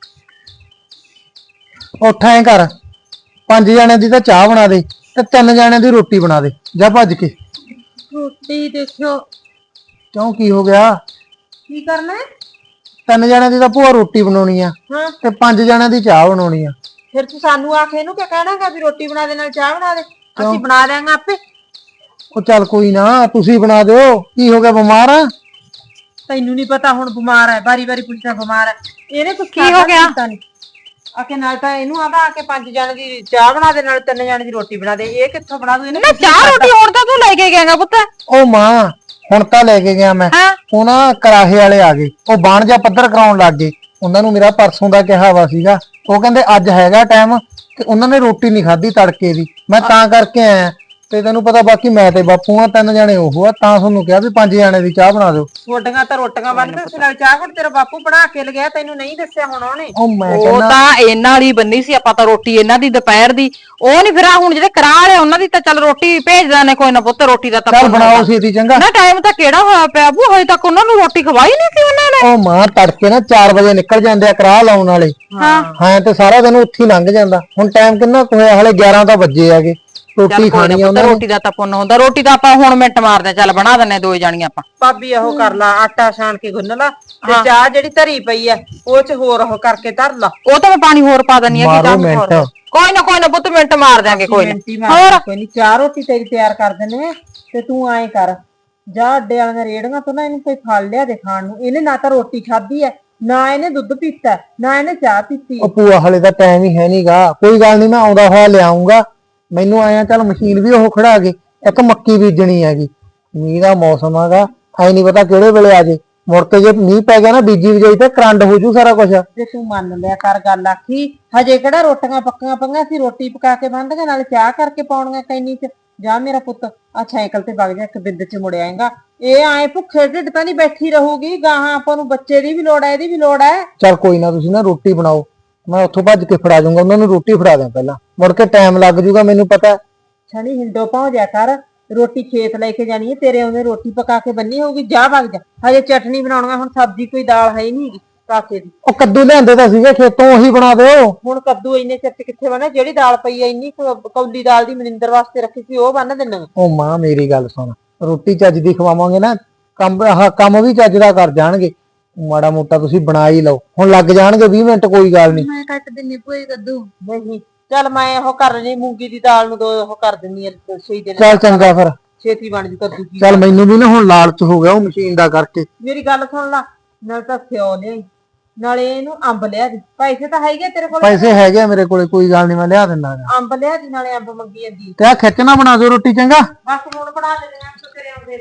Speaker 8: ਉੱਠ ਐਂ ਕਰ, 5 ਜਣਿਆਂ ਦੀ ਤਾਂ ਚਾਹ ਬਣਾ ਦੇ ਤੇ 3 ਜਣਿਆਂ ਦੀ ਰੋਟੀ ਬਣਾ ਦੇ, ਜਾ ਭੱਜ ਕੇ।
Speaker 2: ਰੋਟੀ ਦੇਖਿਓ
Speaker 8: ਕਿਉਂ ਕੀ ਹੋ ਗਿਆ?
Speaker 2: ਕੀ ਕਰਨਾ ਹੈ?
Speaker 8: 3 ਜਣਿਆਂ ਦੀ ਤਾਂ ਭੂਆ ਰੋਟੀ ਬਣਾਉਣੀ ਆ
Speaker 2: ਹਾਂ
Speaker 8: ਤੇ 5 ਜਣਿਆਂ ਦੀ ਚਾਹ ਬਣਾਉਣੀ ਆ।
Speaker 2: ਫਿਰ ਤੂੰ ਸਾਨੂੰ ਆ ਕੇ ਇਹਨੂੰ ਕਿਆ ਕਹਿਣਾਗਾ ਵੀ ਰੋਟੀ ਬਣਾ ਦੇ ਨਾਲ ਚਾਹ ਬਣਾ ਦੇ? ਅਸੀਂ ਬਣਾ ਦਿਆਂਗੇ ਆਪੇ।
Speaker 8: ਉਹ ਚੱਲ ਕੋਈ ਨਾ, ਤੁਸੀਂ ਬਣਾ ਦਿਓ। ਕੀ ਹੋ ਗਿਆ, ਬਿਮਾਰ ਆ?
Speaker 2: ਤੈਨੂੰ ਨਹੀਂ ਪਤਾ ਹੁਣ ਬਿਮਾਰ ਹੈ, ਬਾਰੀ ਬਾਰੀ ਪੁੱਛਦਾ ਬਿਮਾਰ ਹੈ। ਇਹਨੇ ਕੁਝ
Speaker 1: ਕੀ ਹੋ ਗਿਆ?
Speaker 2: ਆ ਕੇ ਨਾਲ ਤਾਂ ਇਹਨੂੰ ਆਂਦਾ ਆ ਕੇ 5 ਜਣੇ ਦੀ ਚਾਹ ਬਣਾ ਦੇ ਨਾਲ 3 ਜਣੇ ਦੀ ਰੋਟੀ ਬਣਾ ਦੇ। ਇਹ ਕਿੱਥੋਂ ਬਣਾ ਦੂ? ਇਹਨੇ
Speaker 1: ਨਾ ਚਾਹ ਰੋਟੀ ਹੁਣ ਤਾਂ ਤੂੰ ਲੈ ਕੇ ਗਿਆਗਾ ਪੁੱਤ।
Speaker 8: ਉਹ ਮਾਂ, ਹੁਣ ਤਾਂ ਲੈ ਕੇ ਗਿਆ ਮੈਂ।
Speaker 1: ਹਾਂ।
Speaker 8: ਉਹ ਨਾ ਕਰਾਹੇ ਵਾਲੇ ਆ ਗਏ, ਉਹ ਬਾਣ ਜਾਂ ਪੱਧਰ ਕਰਾਉਣ ਲੱਗ ਗਏ। ਉਹਨਾਂ ਨੂੰ ਮੇਰਾ ਪਰਸੋਂ ਦਾ ਕਿਹਾ ਵਾ ਸੀਗਾ, ਉਹ ਕਹਿੰਦੇ ਅੱਜ ਹੈਗਾ ਟਾਈਮ, ਤੇ ਉਹਨਾਂ ਨੇ ਰੋਟੀ ਨਹੀਂ ਖਾਧੀ ਤੜਕੇ ਦੀ। ਮੈਂ ਤਾਂ ਕਰਕੇ ਆਇਆ। ਤੇ ਤੈਨੂੰ ਪਤਾ ਬਾਕੀ ਮੈਂ ਤੇ ਬਾਪੂ ਆ, 3 ਜਣੇ ਉਹ ਆ, ਤਾਂ ਤੁਹਾਨੂੰ ਕਿਹਾ ਵੀ 5 ਜਣੇ ਦੀ ਚਾਹ ਬਣਾ ਦਿਓ।
Speaker 2: ਰੋਟੀਆਂ ਤਾਂ ਰੋਟੀਆਂ ਬਣਦੇ ਉਸ ਨਾਲ ਚਾਹ ਘੁੱਟ ਤੇਰਾ ਬਾਪੂ ਬਣਾ ਕੇ ਲਗਿਆ, ਤੈਨੂੰ ਨਹੀਂ ਦੱਸਿਆ ਹੁਣ ਉਹਨੇ।
Speaker 8: ਉਹ ਮੈਂ
Speaker 1: ਉਹ
Speaker 8: ਕਹਿੰਦਾ
Speaker 1: ਤਾਂ ਇਹਨਾਂ ਵਾਲੀ ਬੰਨੀ ਸੀ, ਆਪਾਂ ਤਾਂ ਰੋਟੀ ਇਹਨਾਂ ਦੀ ਦੁਪਹਿਰ ਦੀ। ਉਹ ਨਹੀਂ ਫਿਰ ਆਹ ਹੁਣ ਜਿਹੜੇ ਕਰਾ ਰਹੇ ਉਹਨਾਂ ਦੀ ਤਾਂ ਚੱਲ ਰੋਟੀ ਭੇਜਦਾ ਨੇ, ਕੋਈ ਨਾ ਪੁੱਤ ਰੋਟੀ ਦਾ ਤਾਂ
Speaker 8: ਚੱਲ
Speaker 1: ਪੁੰਨ
Speaker 8: ਬਣਾਓ
Speaker 1: ਹੁੰਦਾ।
Speaker 8: ਛੇਤੀ ਚੰਗਾ।
Speaker 1: ਨਾ ਟਾਈਮ ਤਾਂ ਕਿਹੜਾ ਹੋਇਆ ਪਿਆ ਬੂ, ਹਜੇ ਤੱਕ ਉਹਨਾਂ ਨੂੰ ਰੋਟੀ ਖਵਾਈ ਨਹੀਂ ਸੀ ਉਹਨਾਂ ਨੇ।
Speaker 8: ਉਹ ਮਾਂ ਤੜਕੇ ਨਾ 4 ਵਜੇ ਨਿਕਲ ਜਾਂਦੇ ਆ ਕਰਾਹ ਲਾਉਣ ਵਾਲੇ। ਹਾਂ ਤੇ ਸਾਰਾ ਦਿਨ ਉੱਥੇ ਹੀ ਲੰਘ ਜਾਂਦਾ। ਹੁਣ ਟਾਈਮ ਕਿੰਨਾ ਕੁ ਹੋਇਆ, ਹਲੇ 11 ਤਾਂ ਵੱਜੇ ਹੈਗੇ। ਰੋਟੀ
Speaker 1: ਚੱਲ ਕੋਈ
Speaker 8: ਖਾਣੀ
Speaker 1: ਨਾ
Speaker 8: ਆ
Speaker 1: ਪੁੱਤ,
Speaker 8: ਉਹਨਾਂ ਨੇ।
Speaker 1: ਰੋਟੀ ਦਾ ਤਾਂ ਪੁੰਨ ਹੁੰਦਾ। ਰੋਟੀ ਤਾਂ ਆਪਾਂ ਹੁਣ ਮਿੰਟ ਮਾਰਦੇ ਚੱਲ ਬਣਾ ਦਿੰਨੇ 2 ਜਾਣੀਆਂ ਆਪਾਂ।
Speaker 2: ਭਾਬੀ ਉਹ ਕਰ ਲਾ, ਆਟਾ ਛਾਣ ਕੇ ਗੁੰਨ ਲਾ ਤੇ ਚਾਹ ਜਿਹੜੀ ਧਰੀ ਪਈ ਐ ਉਹ ਚ ਹੋਰ ਉਹ ਕਰਕੇ ਧਰ ਲਾ।
Speaker 1: ਉਹ ਤਾਂ ਮੈਂ ਪਾਣੀ ਹੋਰ ਪਾ ਦਨੀ ਆ ਕਿ
Speaker 8: ਮਾਰੋ
Speaker 1: ਤਾਂ
Speaker 8: ਮਿੰਟ।
Speaker 1: ਕੋਈ ਨਾ ਪੁੱਤ ਮਿੰਟ ਮਾਰ ਦਿਆਂਗੇ ਕੋਈ
Speaker 2: ਮਿੰਟੀ
Speaker 1: ਨਾ।
Speaker 2: ਮਾਰ ਕੋਈ ਨਹੀਂ, ਚਾਹ ਰੋਟੀ ਤੇਰੀ ਤਿਆਰ ਕਰ ਦਿੰਨੇ ਆ। ਤੇ ਤੂੰ ਐਂ ਕਰ, ਜਾ ਅੱਡੇ ਵਾਲੀਆਂ ਰੇੜੀਆਂ ਤੋਂ ਨਾ ਇਹਨੂੰ ਕੋਈ ਫਲ ਲਿਆ ਦੇ ਖਾਣ ਨੂੰ। ਇਹਨੇ ਨਾ ਤਾਂ ਰੋਟੀ ਖਾਧੀ ਐ, ਨਾ ਇਹਨੇ ਦੁੱਧ ਪੀਤਾ, ਨਾ ਇਹਨੇ ਚਾਹ ਪੀਤੀ।
Speaker 8: ਉਹ ਭੂਆ ਹਲੇ ਤਾਂ ਟਾਈਮ ਹੀ ਹੈ ਨਹੀਂਗਾ। ਕੋਈ ਗੱਲ ਨਹੀਂ, ਮੈਂ ਆਉਂਦਾ ਹੋਇਆ ਲਿਆਉਂਗਾ। ਮੈਨੂੰ ਆਇਆ ਚੱਲ ਮਸ਼ੀਨ ਵੀ ਉਹ ਖੜਾ ਗਏ। ਇੱਕ ਮੱਕੀ ਬੀਜਣੀ ਹੈਗੀ, ਮੀਂਹ ਦਾ ਮੌਸਮ ਹੈਗਾ, ਐ ਨਹੀਂ ਪਤਾ ਕਿਹੜੇ ਵੇਲੇ ਆ ਜੇ। ਮੁੜ ਕੇ ਜੇ ਮੀਂਹ ਪੈ ਗਿਆ ਨਾ ਬੀਜੀ ਵਜਾਈ ਤੇ ਕਰੰਡ ਹੋ ਜੂ ਸਾਰਾ ਕੁਝ।
Speaker 2: ਜੇ ਤੂੰ ਮੰਨ ਲਿਆ ਕਰ ਗੱਲ ਆਖੀ, ਹਜੇ ਕਿਹੜਾ ਰੋਟੀਆਂ ਪੱਕੀਆਂ ਪਈਆਂ ਸੀ? ਰੋਟੀ ਪਕਾ ਕੇ ਬੰਨ੍ਹਦੀਆਂ ਨਾਲ ਚਾਹ ਕਰਕੇ ਪਾਉਣੀਆਂ ਕੈਨੀ ਚ। ਜਾ ਮੇਰਾ ਪੁੱਤ ਆ ਸਾਈਕਲ ਤੇ ਵਗ ਜਾ, ਇੱਕ ਬਿੰਦ ਚ ਮੁੜ ਆਏਗਾ। ਇਹ ਆਏ ਭੁੱਖੇ ਢਿੱਡ ਤਾਂ ਨਹੀਂ ਬੈਠੀ ਰਹੂਗੀ। ਗਾਹਾਂ ਆਪਾਂ ਨੂੰ ਬੱਚੇ ਦੀ ਵੀ ਲੋੜ ਹੈ, ਇਹਦੀ ਵੀ ਲੋੜ ਹੈ।
Speaker 8: ਚੱਲ ਕੋਈ ਨਾ, ਤੁਸੀਂ ਨਾ ਰੋਟੀ ਬਣਾਓ, ਮੈਂ ਉੱਥੋਂ ਭੱਜ ਕੇ ਫੜਾ ਜਾਊਂਗਾ। ਉਹਨਾਂ ਨੂੰ ਰੋਟੀ ਫੜਾ ਦਿਆਂ ਪਹਿਲਾਂ, ਮੁੜ ਕੇ ਟਾਈਮ ਲੱਗ ਜੂਗਾ ਮੈਨੂੰ ਪਤਾ।
Speaker 2: ਛਣੀ ਹਿੰਡੋ ਪਹੁੰਚ ਜਾ ਕਰ, ਰੋਟੀ ਖੇਤ ਲੈ ਕੇ ਜਾਣੀ ਹੈ ਤੇਰੇ। ਉਹਨੇ ਰੋਟੀ ਪਕਾ ਕੇ ਬੰਨੀ ਹੋਊਗੀ, ਜਾ ਵਗ ਜਾ। ਹਜੇ ਚਟਨੀ ਬਣਾਉਣਾ, ਹੁਣ ਸਬਜ਼ੀ ਕੋਈ ਦਾਲ ਹੈ ਹੀ ਨਹੀਂ ਕਾਕੇ ਦੀ।
Speaker 8: ਉਹ ਕੱਦੂ ਲਿਆਂਦੇ ਤਾਂ ਸੀਗੇ ਖੇਤੋਂ, ਉਹੀ ਬਣਾ ਦਿਓ।
Speaker 2: ਹੁਣ ਕੱਦੂ ਇੰਨੇ ਚਿਰ ਚ ਕਿੱਥੇ ਬਣਾ? ਜਿਹੜੀ ਦਾਲ ਪਈ ਐ ਇੰਨੀ ਕੌਲੀ ਦਾਲ ਦੀ ਮਨਿੰਦਰ ਵਾਸਤੇ ਰੱਖੀ ਸੀ, ਉਹ ਬੰਨ ਦਿੰਨਾ।
Speaker 8: ਉਹ ਮਾਂ ਮੇਰੀ ਗੱਲ ਸੁਣ, ਰੋਟੀ ਚੱਜ ਦੀ ਖਵਾਵਾਂਗੇ ਨਾ, ਕੰਮ ਵੀ ਚੱਜ ਦਾ ਕਰ ਜਾਣਗੇ। ਮਾੜਾ ਮੋਟਾ ਤੁਸੀਂ ਬਣਾ ਹੀ ਲਓ, ਹੁਣ ਲੱਗ ਜਾਣਗੇ 20 ਮਿੰਟ, ਕੋਈ ਗੱਲ ਨਹੀਂ।
Speaker 2: ਮੈਂ ਕੱਟ ਦਿੰਨੀ ਭੂਏ ਕੱਦੂ। ਨਹੀਂ ਚੱਲ ਮੈਂ ਉਹ ਕਰ ਲਈ, ਮੂੰਗੀ ਦੀ ਦਾਲ ਨੂੰ 2 ਉਹ ਕਰ ਦਿੰਨੀ ਆ ਸਹੀ ਦੇ
Speaker 8: ਚੱਲ ਚੰਗਾ ਫਿਰ,
Speaker 2: ਛੇਤੀ ਬਣ ਜੂ ਕੱਦੂ ਕੀ।
Speaker 8: ਚੱਲ ਮੈਨੂੰ ਵੀ ਨਾ ਹੁਣ ਲਾਲਚ ਹੋ ਗਿਆ ਉਹ ਮਸ਼ੀਨ ਦਾ ਕਰਕੇ।
Speaker 2: ਮੇਰੀ ਗੱਲ ਸੁਣ ਲਾ, ਨਾਲ ਤਾਂ ਸਿਓ ਲਿਆਈ, ਨਾਲੇ ਇਹਨੂੰ ਅੰਬ ਲਿਆ ਦੀ। ਪੈਸੇ ਤਾਂ ਹੈਗੇ ਤੇਰੇ ਕੋਲ?
Speaker 8: ਪੈਸੇ ਹੈਗੇ ਆ ਮੇਰੇ ਕੋਲੇ, ਕੋਈ ਗੱਲ ਨਹੀਂ, ਮੈਂ ਲਿਆ ਦਿੰਦਾ ਗਾ।
Speaker 2: ਅੰਬ ਲਿਆ ਦੀ, ਨਾਲੇ ਅੰਬ ਮੰਗੀ ਜਾਂਦੀ।
Speaker 8: ਤੇ ਆ ਖਿੱਚਣਾ ਬਣਾ ਦਿਓ ਰੋਟੀ ਚੰਗਾ।
Speaker 2: ਬਸ ਹੁਣ ਬਣਾ ਲੈਣੇ ਆ ਤੇਰੇ ਆਉਂਦੇ।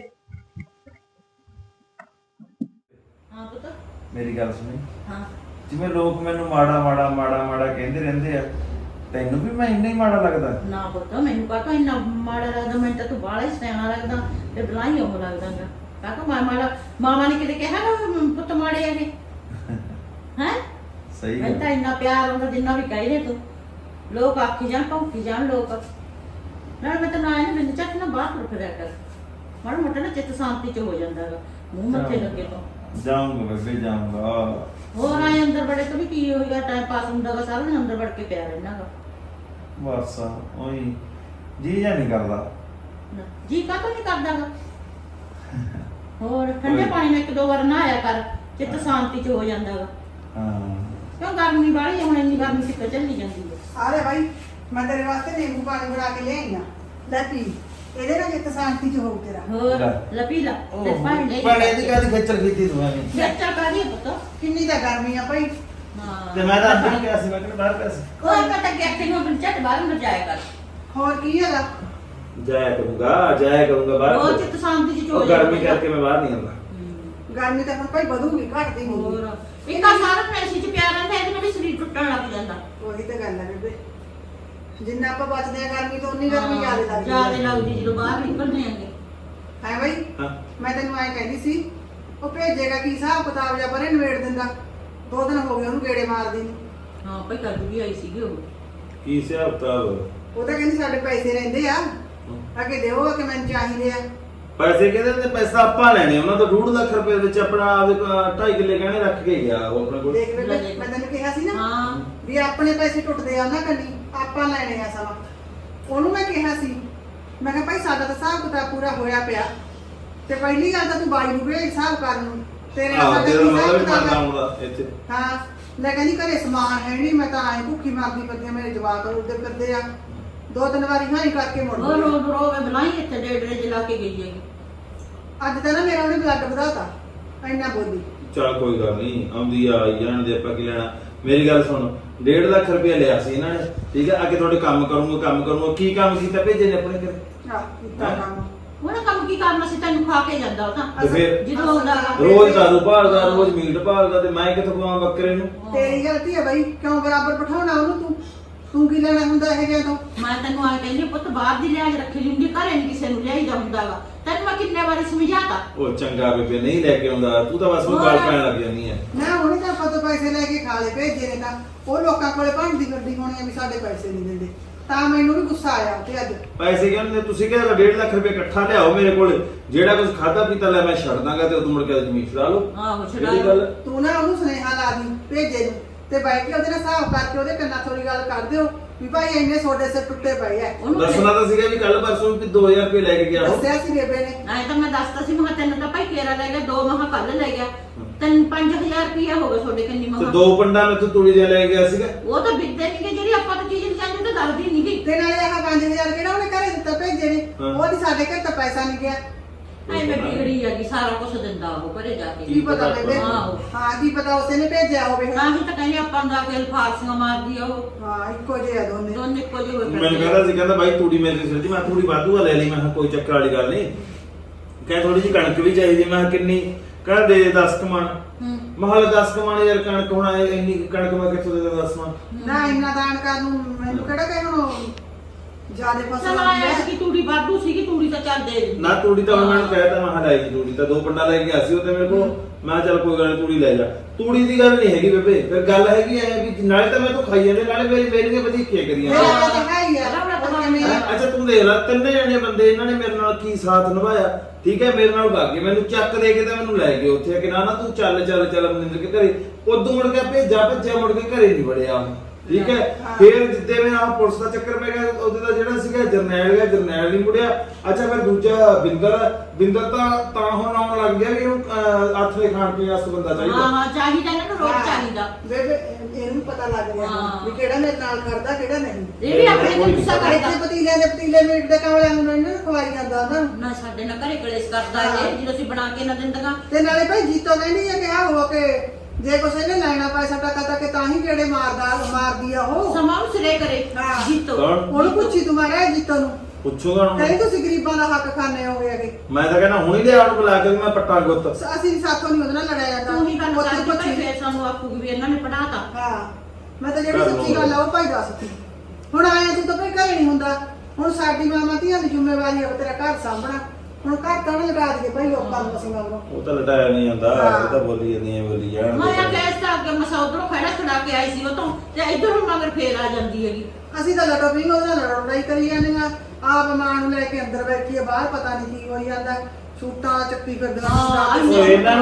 Speaker 2: ਹਾਂ ਪੁੱਤ।
Speaker 7: ਮੇਰੀ ਗੱਲ ਸੁਣੀ। ਹਾਂ, ਜਿਵੇਂ ਲੋਕ ਮੈਨੂੰ ਮਾੜਾ ਮਾੜਾ ਮਾੜਾ ਮਾੜਾ ਕਹਿੰਦੇ ਰਹਿੰਦੇ ਆ, ਤੈਨੂੰ ਵੀ ਮੈਂ ਇੰਨਾ ਹੀ ਮਾੜਾ ਲੱਗਦਾ?
Speaker 5: ਨਾ ਪੁੱਤ, ਮੈਨੂੰ ਕਾਹਤੋਂ ਇੰਨਾ ਮਾੜਾ ਲੱਗਦਾ? ਮੈਨੂੰ ਤਾਂ ਤੂੰ ਬਾਹਲਾ ਹੀ ਸਿਆਣਾ ਲੱਗਦਾ ਤੇ ਬਲਾਈ ਉਹ ਲੱਗਦਾਗਾ। ਕਾਹਤੋਂ ਮਾਮਾ ਨੇ ਕਿਤੇ ਕਿਹਾ ਨਾ ਪੁੱਤ ਮਾੜੇ ਹੈਗੇ ਹੈ?
Speaker 7: ਸਹੀ
Speaker 5: ਮੈਨੂੰ ਤਾਂ ਇੰਨਾ ਪਿਆਰ ਹੁੰਦਾ ਜਿੰਨਾ ਵੀ ਕਹਿ ਰਹੇ ਤੂੰ। ਲੋਕ ਆਖੀ ਜਾਣ, ਭੌਂਕੀ ਜਾਣ ਲੋਕ। ਨਾਲ ਮੈਂ ਤਾਂ ਨਾ ਇਹਨੇ ਬਿੰਦ ਚੱਕ ਨਾ ਬਾਹਰ ਤੁਰ ਫਿਰਿਆ ਕਰ, ਮਾੜਾ ਮੋਟਾ ਨਾ ਚਿੱਤ ਸ਼ਾਂਤੀ ਚ ਹੋ ਜਾਂਦਾ ਗਾ, ਮੂੰਹ ਮੱਥੇ ਲੱਗੇ ਤੋਂ।
Speaker 7: ਜਾਊਂਗਾ ਬੇਬੇ, ਜਾਊਂਗਾ।
Speaker 5: ਹੋਰ ਆਏ ਅੰਦਰ ਬੜੇ ਤੋਂ ਵੀ ਕੀ ਹੋਏਗਾ? ਟਾਈਮ ਪਾਸ ਹੁੰਦਾ ਗਾ, ਸਾਰਾ ਦਿਨ ਅੰਦਰ ਵੜ ਕੇ ਪਿਆ ਰਹਿਣਾ ਗਾ।
Speaker 7: ਬਸ ਉਹੀ ਜੀ ਜਾਂ ਨਹੀਂ ਕਰਦਾ।
Speaker 5: ਜੀ ਕਾਹਤੋਂ ਨਹੀਂ ਕਰਦਾ ਗਾ? ਹੋਰ ਠੰਡੇ ਪਾਣੀ ਨਾਲ 1-2 ਵਾਰ ਨਹਾਇਆ ਕਰ, ਚਿੱਤ ਸ਼ਾਂਤੀ ਚ ਹੋ ਜਾਂਦਾ ਗਾ।
Speaker 7: ਹਾਂ,
Speaker 5: ਕਿਉਂ ਗਰਮੀ ਬਾਹਲੀ ਹੁਣ, ਇੰਨੀ ਗਰਮੀ ਕਿੱਥੇ ਚੱਲੀ ਜਾਂਦੀ ਹੈ।
Speaker 6: ਆਰੇ ਭਾਈ, ਮੈਂ ਤੇਰੇ ਵਾਸਤੇ ਨਿੰਬੂ ਪਾਣੀ ਬਣਾ ਕੇ ਲਿਆਈ ਆ, ਲੈ ਪੀ। ਇਹਦੇ ਨਾਲ ਜਿੱਤ ਸ਼ਾਂਤੀ ਚ ਹੋਊ ਤੇਰਾ।
Speaker 5: ਹੋਰ ਲੱਪੀ ਲਾ ਤੇ ਪਾਣੀ ਲੈ
Speaker 7: ਬੜੇ ਦੀ ਕਾਦੀ ਖੇਚਲ ਕੀਤੀ ਤੂੰ ਐਵੇਂ?
Speaker 5: ਖੇਚਲ ਕਾਹਦੀ ਹੈ ਪੁੱਤ?
Speaker 6: ਕਿੰਨੀ ਤਾਂ ਗਰਮੀ ਆ ਭਾਈ।
Speaker 5: ਹਾਂ,
Speaker 7: ਤੇ ਮੈਂ ਤਾਂ ਅੰਦਰ ਗਿਆ ਸੀ, ਮੈਂ ਕਿਹਾ ਬਾਹਰ ਗਿਆ ਸੀ।
Speaker 5: ਕੋਈ ਪਤਾ ਕਿ ਇੱਥੇ ਨੂੰ ਆਪਣੀ ਝੱਟ ਬਾਹਰ ਨੂੰ ਜਾਇਆ ਕਰ।
Speaker 6: ਹੋਰ ਕੀ ਹੈਗਾ?
Speaker 7: ਜਾਇਆ ਕਰੂੰਗਾ ਬਾਹਰ।
Speaker 5: ਉਹ ਚਿੱਤ ਸ਼ਾਂਤੀ ਚ
Speaker 7: ਉਹ
Speaker 5: ਹੋ
Speaker 7: ਗਰਮੀ ਕਰਕੇ ਮੈਂ ਬਾਹਰ ਨਹੀਂ ਆਉਂਦਾ।
Speaker 6: ਗਰਮੀ ਤਾਂ ਹੁਣ ਭਾਈ ਵਧੂਗੀ, ਘਟਦੀ ਨਹੀਂ।
Speaker 5: ਹੋਰ ਇੱਕ ਆ ਸਾਰਾ ਫੈਸੀ ਚ ਪਿਆ ਰਹਿੰਦਾ, ਇਹਦੇ ਨਾਲ ਵੀ ਸਰੀਰ ਟੁੱਟਣ ਲੱਗ ਜਾਂਦਾ।
Speaker 6: ਉਹੀ ਤਾਂ ਗੱਲ ਹੈ ਬੇਬੇ, ਜਿੰਨਾ ਆਪਾਂ ਬਚਦੇ ਆ ਗਰਮੀ ਤੋਂ ਉਨੀ ਗਰਮੀ ਜ਼ਿਆਦਾ ਲੱਗਦੀ
Speaker 5: ਜ਼ਿਆਦਾ ਲੱਗਦੀ ਜਦੋਂ ਬਾਹਰ ਨਿਕਲਦੇ ਆਂਗੇ।
Speaker 6: ਹੈ ਭਾਈ।
Speaker 7: ਹਾਂ,
Speaker 6: ਮੈਂ ਤੈਨੂੰ ਐਂ ਕਹਿੰਦੀ ਸੀ, ਉਹ ਭੇਜੇਗਾ ਕੀ ਹਿਸਾਬ ਕਿਤਾਬ ਜਾਂ ਪਰੇ ਨਿਬੇੜ ਦਿੰਦਾ। 2 ਦਿਨ ਹੋ ਗਏ ਉਹਨੂੰ ਗੇੜੇ ਮਾਰਦੀ ਨੂੰ।
Speaker 5: ਹਾਂ ਭਾਈ ਕੱਲ ਵੀ ਆਈ ਸੀਗੀ ਉਹ।
Speaker 9: ਕੀ ਹਿਸਾਬ ਕਿਤਾਬ?
Speaker 6: ਉਹ ਤਾਂ ਕਹਿੰਦੀ ਸਾਡੇ ਪੈਸੇ ਰਹਿੰਦੇ ਆ ਅੱਗੇ ਦਿਓ ਕਿ ਮੈਨੂੰ ਚਾਹੀਦੇ ਆ।
Speaker 9: ਪੈਸੇ ਕਹਿੰਦੇ ਨੇ ਪੈਸਾ ਆਪਾਂ ਲੈਣੇ ਉਹਨਾਂ ਤੋਂ 2.5 ਲੱਖ ਰੁਪਏ ਵਿੱਚ ਆਪਣਾ ਆਪਦੇ 2.5 ਕਿੱਲੇ ਗਹਿਣੇ ਰੱਖ ਕੇ ਗਿਆ ਉਹ ਆਪਣੇ ਕੋਲ।
Speaker 6: ਦੇਖ ਬੇਬੇ ਮੈਂ ਤੈਨੂੰ ਕਿਹਾ ਸੀ ਨਾ
Speaker 5: ਹਾਂ
Speaker 6: ਵੀ ਆਪਣੇ ਪੈਸੇ ਟੁੱਟਦੇ ਆ ਉਹਨਾਂ ਕੰਨੀ, ਆਪਾਂ ਲੈਣੇ ਆ ਸਮਾਂ। ਉਹਨੂੰ ਮੈਂ ਕਿਹਾ ਸੀ, ਮੈਂ ਕਿਹਾ ਭਾਈ ਸਾਡਾ ਤਾਂ ਹਿਸਾਬ ਕਿਤਾਬ ਪੂਰਾ ਹੋਇਆ ਪਿਆ, ਤੇ ਪਹਿਲੀ ਗੱਲ ਤਾਂ ਤੂੰ ਬਾਈ ਨੂੰ ਭੇਜ ਹਿਸਾਬ ਕਰਨ ਨੂੰ, ਤੇਰੇ ਨਾਲ ਸਾਡਾ
Speaker 9: ਜਿਹੜਾ
Speaker 6: ਕੀ
Speaker 9: ਉਹਦਾ
Speaker 6: ਹਿਸਾਬ
Speaker 9: ਵੀ
Speaker 6: ਕਿਤਾਬ
Speaker 9: ਬਣਦਾ
Speaker 6: ਆ।
Speaker 9: ਹੁੰਦਾ ਇੱਥੇ।
Speaker 6: ਹਾਂ ਲੈ ਕਹਿੰਦੀ ਘਰੇ ਸਮਾਨ ਹੈ ਨਹੀਂ, ਮੈਂ ਤਾਂ ਆਏ ਭੁੱਖੀ ਮਰਦੀ ਫਿਰਦੀ ਆ, ਮੇਰੇ ਜਵਾਕ ਰੋਦੇ ਫਿਰਦੇ ਆ। 2-3 ਵਾਰੀ ਹਾਂ ਹੀ ਕਰਕੇ ਮੁੜ
Speaker 5: ਉਹ
Speaker 6: ਗਈ।
Speaker 5: ਰੋ ਮੈਂ ਬੁਲਾਈ ਇੱਥੇ ਡੇਢ ਜਲਾ ਕੇ ਗਈ ਹੈਗੀ।
Speaker 6: ਅੱਜ ਤਾਂ ਨਾ ਮੇਰਾ ਉਹਨੇ ਬਲੱਡ ਵਧਾਤਾ, ਇੰਨਾ ਬੋਲੀ।
Speaker 9: ਚੱਲ ਕੋਈ ਗੱਲ ਨਹੀਂ, ਆਉਂਦੀ ਆ ਆਈ ਜਾਣ ਦੇ, ਆਪਾਂ ਕੀ ਲੈਣਾ। ਮੇਰੀ ਗੱਲ ਸੁਣ, 1.5 ਲੱਖ ਰੁਪਏ ਲਿਆ ਸੀ ਇਹਨਾਂ ਨੇ, ਠੀਕ ਹੈ। ਅੱਗੇ ਤੁਹਾਡੇ ਕੰਮ ਕਰੂੰਗਾ। ਕੀ ਕੰਮ ਕੀਤਾ ਭੇਜੇ ਨੇ ਆਪਣੇ ਘਰੇ?
Speaker 6: ਆਹ ਕੀਤਾ ਕੰਮ।
Speaker 5: ਉਹਨੇ ਕੰਮ ਕੀ ਕਰਨਾ ਸੀ, ਤੈਨੂੰ ਖਾ ਕੇ ਜਾਂਦਾ ਉਹ ਤਾਂ
Speaker 9: ਤੇ ਫਿਰ
Speaker 5: ਜਦੋਂ ਆਉਂਦਾ ਵਾ।
Speaker 9: ਰੋਜ਼ ਦਾਰੂ ਭਾਲਦਾ, ਰੋਜ਼ ਮੀਟ ਭਾਲਦਾ, ਤੇ ਮੈਂ ਕਿੱਥੋਂ ਖਵਾਵਾਂ ਬੱਕਰੇ ਨੂੰ?
Speaker 6: ਤੇਰੀ ਗਲਤੀ ਹੈ ਬਾਈ, ਕਿਉਂ ਬਰਾਬਰ ਬਿਠਾਉਣਾ ਉਹਨੂੰ? ਤੂੰ ਕੀ ਲੈਣਾ ਹੁੰਦਾ ਇਹ ਜਿਹਾ ਤੋਂ?
Speaker 5: ਮੈਂ ਤੈਨੂੰ ਆ ਕਹਿੰਦੀ ਪੁੱਤ ਬਾਹਰ ਦੀ ਲਿਆਜ ਰੱਖੀ ਹੁੰਦੀ, ਘਰੇ ਨਹੀਂ ਕਿਸੇ ਨੂੰ ਲਿਆਈਦਾ ਹੁੰਦਾਗਾ। ਤੈਨੂੰ ਮੈਂ ਕਿੰਨੇ ਵਾਰੀ ਸਮਝਾਤਾ।
Speaker 9: ਉਹ ਚੰਗਾ ਬੇਬੇ ਨਹੀਂ ਲੈ ਕੇ ਆਉਂਦਾ, ਤੂੰ ਤਾਂ ਬਸ ਉਹ ਗੱਲ ਪੈਣ ਲੱਗ ਜਾਂਦੀ ਹੈ।
Speaker 6: ਨਾ ਉਹਨੇ ਤਾਂ ਆਪਾਂ ਤੋਂ ਪੈਸੇ ਲੈ ਕੇ ਖਾ ਲਏ, ਭੇਜੇ ਨੇ ਤਾਂ ਉਹ ਲੋਕਾਂ ਕੋਲੇ ਭੰਡੀ ਗੱਡੀ ਹੋਣੀ ਆ ਵੀ ਸਾਡੇ ਪੈਸੇ ਨਹੀਂ ਦਿੰਦੇ, ਤਾਂ ਮੈਨੂੰ ਵੀ ਗੁੱਸਾ ਆਇਆ ਤੇ ਅੱਜ।
Speaker 9: ਪੈਸੇ ਕਹਿੰਦੇ ਤੁਸੀਂ ਕਹਿੰਦੇ 1.5 ਲੱਖ ਰੁਪਏ ਇਕੱਠਾ ਲਿਆਓ ਮੇਰੇ ਕੋਲ, ਜਿਹੜਾ ਕੁਝ ਖਾਦਾ ਪੀਤਾ ਲੈ ਮੈਂ ਛੱਡ ਦਾਂਗਾ, ਤੇ ਉਦੋਂ ਮੁੜ ਕੇ ਜ਼ਮੀਨ ਛੁਡਾ ਲਓ।
Speaker 5: ਆਹੋ
Speaker 9: ਜਿਹੜੀ ਗੱਲ
Speaker 6: ਤੂੰ ਨਾ ਉਹਨੂੰ ਸੁਨੇਹਾ ਲਾ ਦੀ ਭੇਜੇ ਨੂੰ, ਤੇ ਬੈਠ ਕੇ ਉਹਦੇ ਨਾਲ ਹਿਸਾਬ ਕਰਕੇ ਉਹਦੇ ਕੰਨਾਂ ਥੋੜੀ ਗੱਲ ਕਰ ਦਿਓ ਵੀ ਭਾਈ ਇੰਨੇ ਤੁਹਾਡੇ ਸਿਰ ਟੁੱਟੇ ਪਏ ਐ।
Speaker 5: ਉਹਨੂੰ
Speaker 9: ਦੱਸਣਾ ਤਾਂ ਸੀਗਾ ਵੀ ਕੱਲ ਪਰਸੋਂ ਵੀ 2000 ਰੁਪਏ ਲੈ ਕੇ ਗਿਆ ਉਹ।
Speaker 6: ਦੱਸਿਆ ਸੀ ਬੇਬੇ ਨੇ।
Speaker 5: ਐ ਤਾਂ ਮੈਂ ਦੱਸਤਾ ਸੀ, ਮੈਂ ਕਿਹਾ ਤੈਨੂੰ ਤਾਂ ਭਾਈ ਕੇਰਾ ਲੈ ਗਿਆ, 2 ਮਹਾ ਕੱਲ ਲੈ ਗਿਆ, 5000 ਰੁਪਇਆ ਹੋ ਗਿਆ ਤੁਹਾਡੇ ਕੰਨੀ
Speaker 9: ਤੇ
Speaker 5: ਮਹਾ।
Speaker 9: 2 ਪੰਡਾਂ ਮੈਥੋਂ ਤੁੜੀ ਦੇ ਲੈ ਗਿਆ ਸੀਗਾ।
Speaker 5: ਉਹ ਤਾਂ ਬਿੱਦੇ ਨਹੀਂ ਕਿ ਜਿਹੜੀ ਆਪਾਂ ਤਾਂ ਚੀਜ਼ ਨਹੀਂ ਚਾਹੀਦੀ ਉਹ ਤਾਂ ਦੱਸਦੀ ਨਹੀਂ ਗਈ।
Speaker 6: ਤੇ ਨਾਲੇ ਆਹ 5000 ਕਿਹੜਾ ਉਹਨੇ ਘਰੇ ਦਿੱਤਾ ਭੇਜੇ ਨੇ, ਉਹਦੀ ਸਾਡੇ ਘਰ ਤਾਂ ਪੈਸਾ ਨਹੀਂ ਗਿਆ।
Speaker 5: ਐ ਮੈਂ ਬਿਗੜੀ ਹੈਗੀ, ਸਾਰਾ ਕੁਝ ਦਿੰਦਾ ਉਹ ਘਰੇ ਜਾ ਕੇ।
Speaker 6: ਕੀ ਪਤਾ ਬੇਬੇ?
Speaker 5: ਆਹੋ।
Speaker 6: ਹਾਂ ਕੀ ਪਤਾ ਉਸੇ ਨੇ ਭੇਜਿਆ ਹੋਵੇ।
Speaker 5: ਤਾਂ ਹੀ ਤਾਂ ਕਹਿੰਦੇ ਆਪਾਂ ਨੂੰ ਆ ਕੇ ਫਾਰਸੀਆਂ ਮਾਰਦੀ ਆ ਉਹ।
Speaker 6: ਹਾਂ ਇੱਕੋ ਜਿਹੇ ਆ ਦੋਨੇ।
Speaker 5: ਦੋਨੇ ਇੱਕੋ ਜਿਹੇ ਹੋਏ
Speaker 9: ਮੈਨੂੰ ਕਹਿੰਦਾ ਸੀ, ਕਹਿੰਦਾ ਬਾਈ ਤੂੜੀ ਮੇਰੇ ਸਿਰ ਦੀ, ਮੈਂ ਥੋੜੀ ਵਾਧੂ ਲੈ ਲਈ। ਮੈਂ ਕਿਹਾ ਕੋਈ ਚੱਕਰ ਵਾਲੀ ਗੱਲ ਨਹੀਂ, ਕਹਿੰਦਾ ਥੋੜੀ ਜਿਹੀ ਕਣਕ ਵੀ ਚਾਹੀਦੀ। ਮੈਂ ਕਿਹਾ ਕਿੰਨੀ? ਕਹਿੰਦਾ ਦੇ 10 ਕਮਾਣ। ਮਹਲ 10 ਕਮਾਣ ਯਾਰ ਕਣਕ ਹੋਣਾ, ਇੰਨੀ ਕਣਕ ਮੈਂ ਕਿੱਥੋਂ ਦੇ 10 ਕਮਾਣ?
Speaker 6: ਨਾ ਇੰਨਾ ਦਾਨ ਕਰਨ ਨੂੰ ਮੈਨੂੰ ਕਿਹੜਾ ਕਹੇ ਹੁਣ ਜਿਆਦੇ ਫਸਲ
Speaker 5: ਚਲ
Speaker 6: ਆਉਂਦੀ
Speaker 5: ਆਇਆ
Speaker 6: ਹੈ।
Speaker 5: ਸੀ ਤੂੜੀ ਵਾਧੂ ਸੀਗੀ, ਤੂੜੀ ਤਾਂ ਚੱਲ ਦੇ ਦਿੰਦੀ।
Speaker 9: ਨਾ ਤੂੜੀ ਤਾਂ ਉਹਨਾਂ ਨੂੰ ਕਹਿਤਾ, ਮੈਂ ਹਲਾਈ ਦੀ ਤੂੜੀ ਤਾਂ 2 ਪੰਡਾ ਲੈ ਕੇ ਗਿਆ ਸੀ ਉਹ ਤੇ ਮੇਰੇ ਕੋਲ। ਮੈਂ ਕਿਹਾ ਚੱਲ ਕੋਈ ਗੱਲ ਨੀ, ਤੂੜੀ ਲੈ ਜਾ। ਤੂੜੀ ਦੀ ਗੱਲ ਨਹੀਂ ਹੈਗੀ ਬੇਬੇ, ਫਿਰ ਗੱਲ ਹੈਗੀ ਐ ਵੀ ਨਾਲੇ ਤਾਂ ਮੈਂ ਤੋਂ ਖਾਈ ਜਾਂਦੇ, ਨਾਲੇ ਮੇਰੀਆਂ ਵਧੀਕੀਆਂ ਕਰੀਆਂ।
Speaker 6: ਮੇਰਾ ਤਾਂ ਹੈ ਹੀ ਆ।
Speaker 9: ਅੱਛਾ ਤੂੰ ਦੇਖ ਲੈ, 3 ਜਣੇ ਬੰਦੇ ਇਹਨਾਂ ਨੇ ਮੇਰੇ ਨਾਲ ਕੀ ਸਾਥ ਨਿਭਾਇਆ, ਠੀਕ ਹੈ। ਮੇਰੇ ਨਾਲ ਭਾਗੇ, ਮੈਨੂੰ ਚੱਕ ਦੇ ਕੇ ਤਾਂ ਮੈਨੂੰ ਲੈ ਗਏ ਉੱਥੇ ਕਿ ਨਾ ਤੂੰ ਚੱਲ ਮਨਿੰਦਰ ਕੇ ਘਰੇ। ਉਦੋਂ ਮੁੜ ਕੇ ਭੱਜਿਆ ਮੁੜ ਕੇ ਘਰੇ ਨਹੀਂ ਵੜਿਆ, ਠੀਕ ਹੈ। ਫਿਰ ਜਿੱਦੇ ਮੈਂ ਆਹ ਪੁਲਿਸ ਦਾ ਚੱਕਰ ਪੈ ਗਿਆ, ਉਹਦੇ ਦਾ ਜਿਹੜਾ ਸੀਗਾ ਜਰਨੈਲ ਨਹੀਂ ਮੁੜਿਆ। ਅੱਛਾ ਫਿਰ ਦੂਜਾ ਬਿੰਦਰ ਤਾਂ ਹੁਣ ਆਉਣ ਲੱਗ ਗਿਆ ਵੀ ਉਹਨੂੰ ਆਥਰੇ ਖਾਣ ਪੀਣ ਵਾਸਤੇ ਬੰਦਾ ਚਾਹੀਦਾ।
Speaker 5: ਹਾਂ ਚਾਹੀਦਾ ਇਹਨਾਂ ਨੂੰ ਰੋਜ਼ ਚਾਹੀਦਾ।
Speaker 6: ਬੇਬੇ ਇਹਨੂੰ ਪਤਾ ਲੱਗ ਗਿਆ ਵੀ ਕਿਹੜਾ ਮੇਰੇ ਨਾਲ ਖੜਦਾ ਕਿਹੜਾ ਨਹੀਂ।
Speaker 5: ਇਹ ਵੀ ਆਪਣੇ ਤੇ ਗੁੱਸਾ ਕਰਦਾ।
Speaker 6: ਇੱਥੇ ਪਤੀਲੇ ਮੀਟ ਦੇ ਕਾਵਲਿਆਂ ਨੂੰ ਇਹਨਾਂ ਨੂੰ ਖਵਾਈ ਜਾਂਦਾ ਉਹਨਾਂ ਨੂੰ।
Speaker 5: ਨਾ ਸਾਡੇ ਨਾਲ ਘਰੇ ਕਲੇਸ਼ ਕਰਦਾ ਇਹ, ਜਦੋਂ ਅਸੀਂ ਬਣਾ ਕੇ ਨਾ ਦਿੰਦਾਗਾ।
Speaker 6: ਤੇ ਨਾਲੇ ਭਾਈ ਜੀਤੋ ਕਹਿੰਦੀ ਹੈ ਕਿ ਆ ਹੋ ਕੇ ਜੇ ਕੁਛ ਇਹਨੇ ਲੈਣਾ ਪੈਸਾ ਟਕਾ ਤਾਂ ਕਿ ਤਾਂ ਹੀ ਕਿਹੜੇ ਮਾਰਦੀ ਆ ਉਹ।
Speaker 5: ਸਮਾਂ ਨੂੰ ਸਿਰੇ ਕਰੇ
Speaker 6: ਹਾਂ।
Speaker 5: ਜੀਤੋ।
Speaker 6: ਉਹਨੂੰ ਪੁੱਛੀ ਤੂੰ ਮਾਰਿਆ ਜੀਤੋ ਨੂੰ,
Speaker 9: ਪੁੱਛੂਗਾ ਹੁਣ।
Speaker 6: ਕਹਿੰਦੀ ਤੁਸੀਂ ਗਰੀਬਾਂ ਦਾ ਹੱਕ ਖਾਣੇ ਹੋਗੇ ਅਗੇ।
Speaker 9: ਮੈਂ ਤਾਂ ਕਹਿੰਦਾ ਹੁਣੀ ਲਿਆ ਉਹਨੂੰ ਬੁਲਾ ਕੇ, ਮੈਂ ਪੱਟਾਂ ਗੁੱਤ।
Speaker 6: ਅਸੀਂ ਸਾਥੋਂ ਨਹੀਂ ਉਹਦੇ ਨਾਲ ਲੜਿਆ ਜਾਂਦਾ।
Speaker 5: ਤੂੰ ਹੀ ਗੱਲ
Speaker 6: ਉੱਥੇ
Speaker 5: ਕਰ
Speaker 6: ਪੁੱਛੀ।
Speaker 5: ਫੇਰ ਸਾਨੂੰ ਆਖੂਗੀ ਵੀ ਇਹਨਾਂ ਨੇ ਪੜਾਤਾ।
Speaker 6: ਹਾਂ ਮੈਂ ਤਾਂ ਜਿਹੜੀ ਸੱਚੀ ਗੱਲ ਆ ਉਹ ਭਾਈ ਦੱਸਦੀ। ਹੁਣ ਆਇਆ ਤੂੰ ਤਾਂ ਭਾਈ ਘਰੇ ਨਹੀਂ ਹੁੰਦਾ, ਹੁਣ ਸਾਡੀ ਮਾਮਾ ਧੀਆਂ ਦੀ ਜ਼ਿੰਮੇਵਾਰੀ ਆ ਤੇਰਾ ਘਰ ਸਾਂਭਣਾ। ਹੁਣ ਘਰ ਤਾਂ ਨਾ ਲਗਾ ਦਈਏ ਭਾਈ ਲੋਕਾਂ ਨੂੰ ਅਸੀਂ ਮਗਰੋਂ।
Speaker 9: ਉਹ ਤਾਂ ਲਟਾਇਆ ਨਹੀਂ ਜਾਂਦਾ, ਉਹ ਤਾਂ ਬੋਲੀ ਜਾਂਦੀ ਹੈ, ਬੋਲੀ ਜਾਣ
Speaker 5: ਮੈਂ ਆ ਕੇਸ ਤਾਂ ਅੱਗੇ ਮਸਾ ਉਧਰੋਂ ਖੜਾ ਛੁਡਾ ਕੇ ਆਈ ਸੀ ਉਹ ਤੋਂ, ਤੇ ਇਧਰੋਂ ਮਗਰ ਫੇਰ ਆ ਜਾਂਦੀ ਹੈਗੀ।
Speaker 6: ਅਸੀਂ ਤਾਂ ਲੜੋ ਵੀ ਉਹਦੇ ਨਾਲ ਲੜਾਈ ਕਰੀ ਜਾਂਦੇ ਆ। ਆਪ ਮਾਂ ਨੂੰ ਲੈ ਕੇ ਅੰਦਰ ਬੈਠੀ ਆ, ਬਾਹਰ ਪਤਾ ਨਹੀਂ ਕੀ ਹੋਈ ਜਾਂਦਾ। ਛੂਟਾਂ ਚੱਕੀ ਫਿਰਦੀਆਂ।
Speaker 9: ਉਹ ਇਹਨਾਂ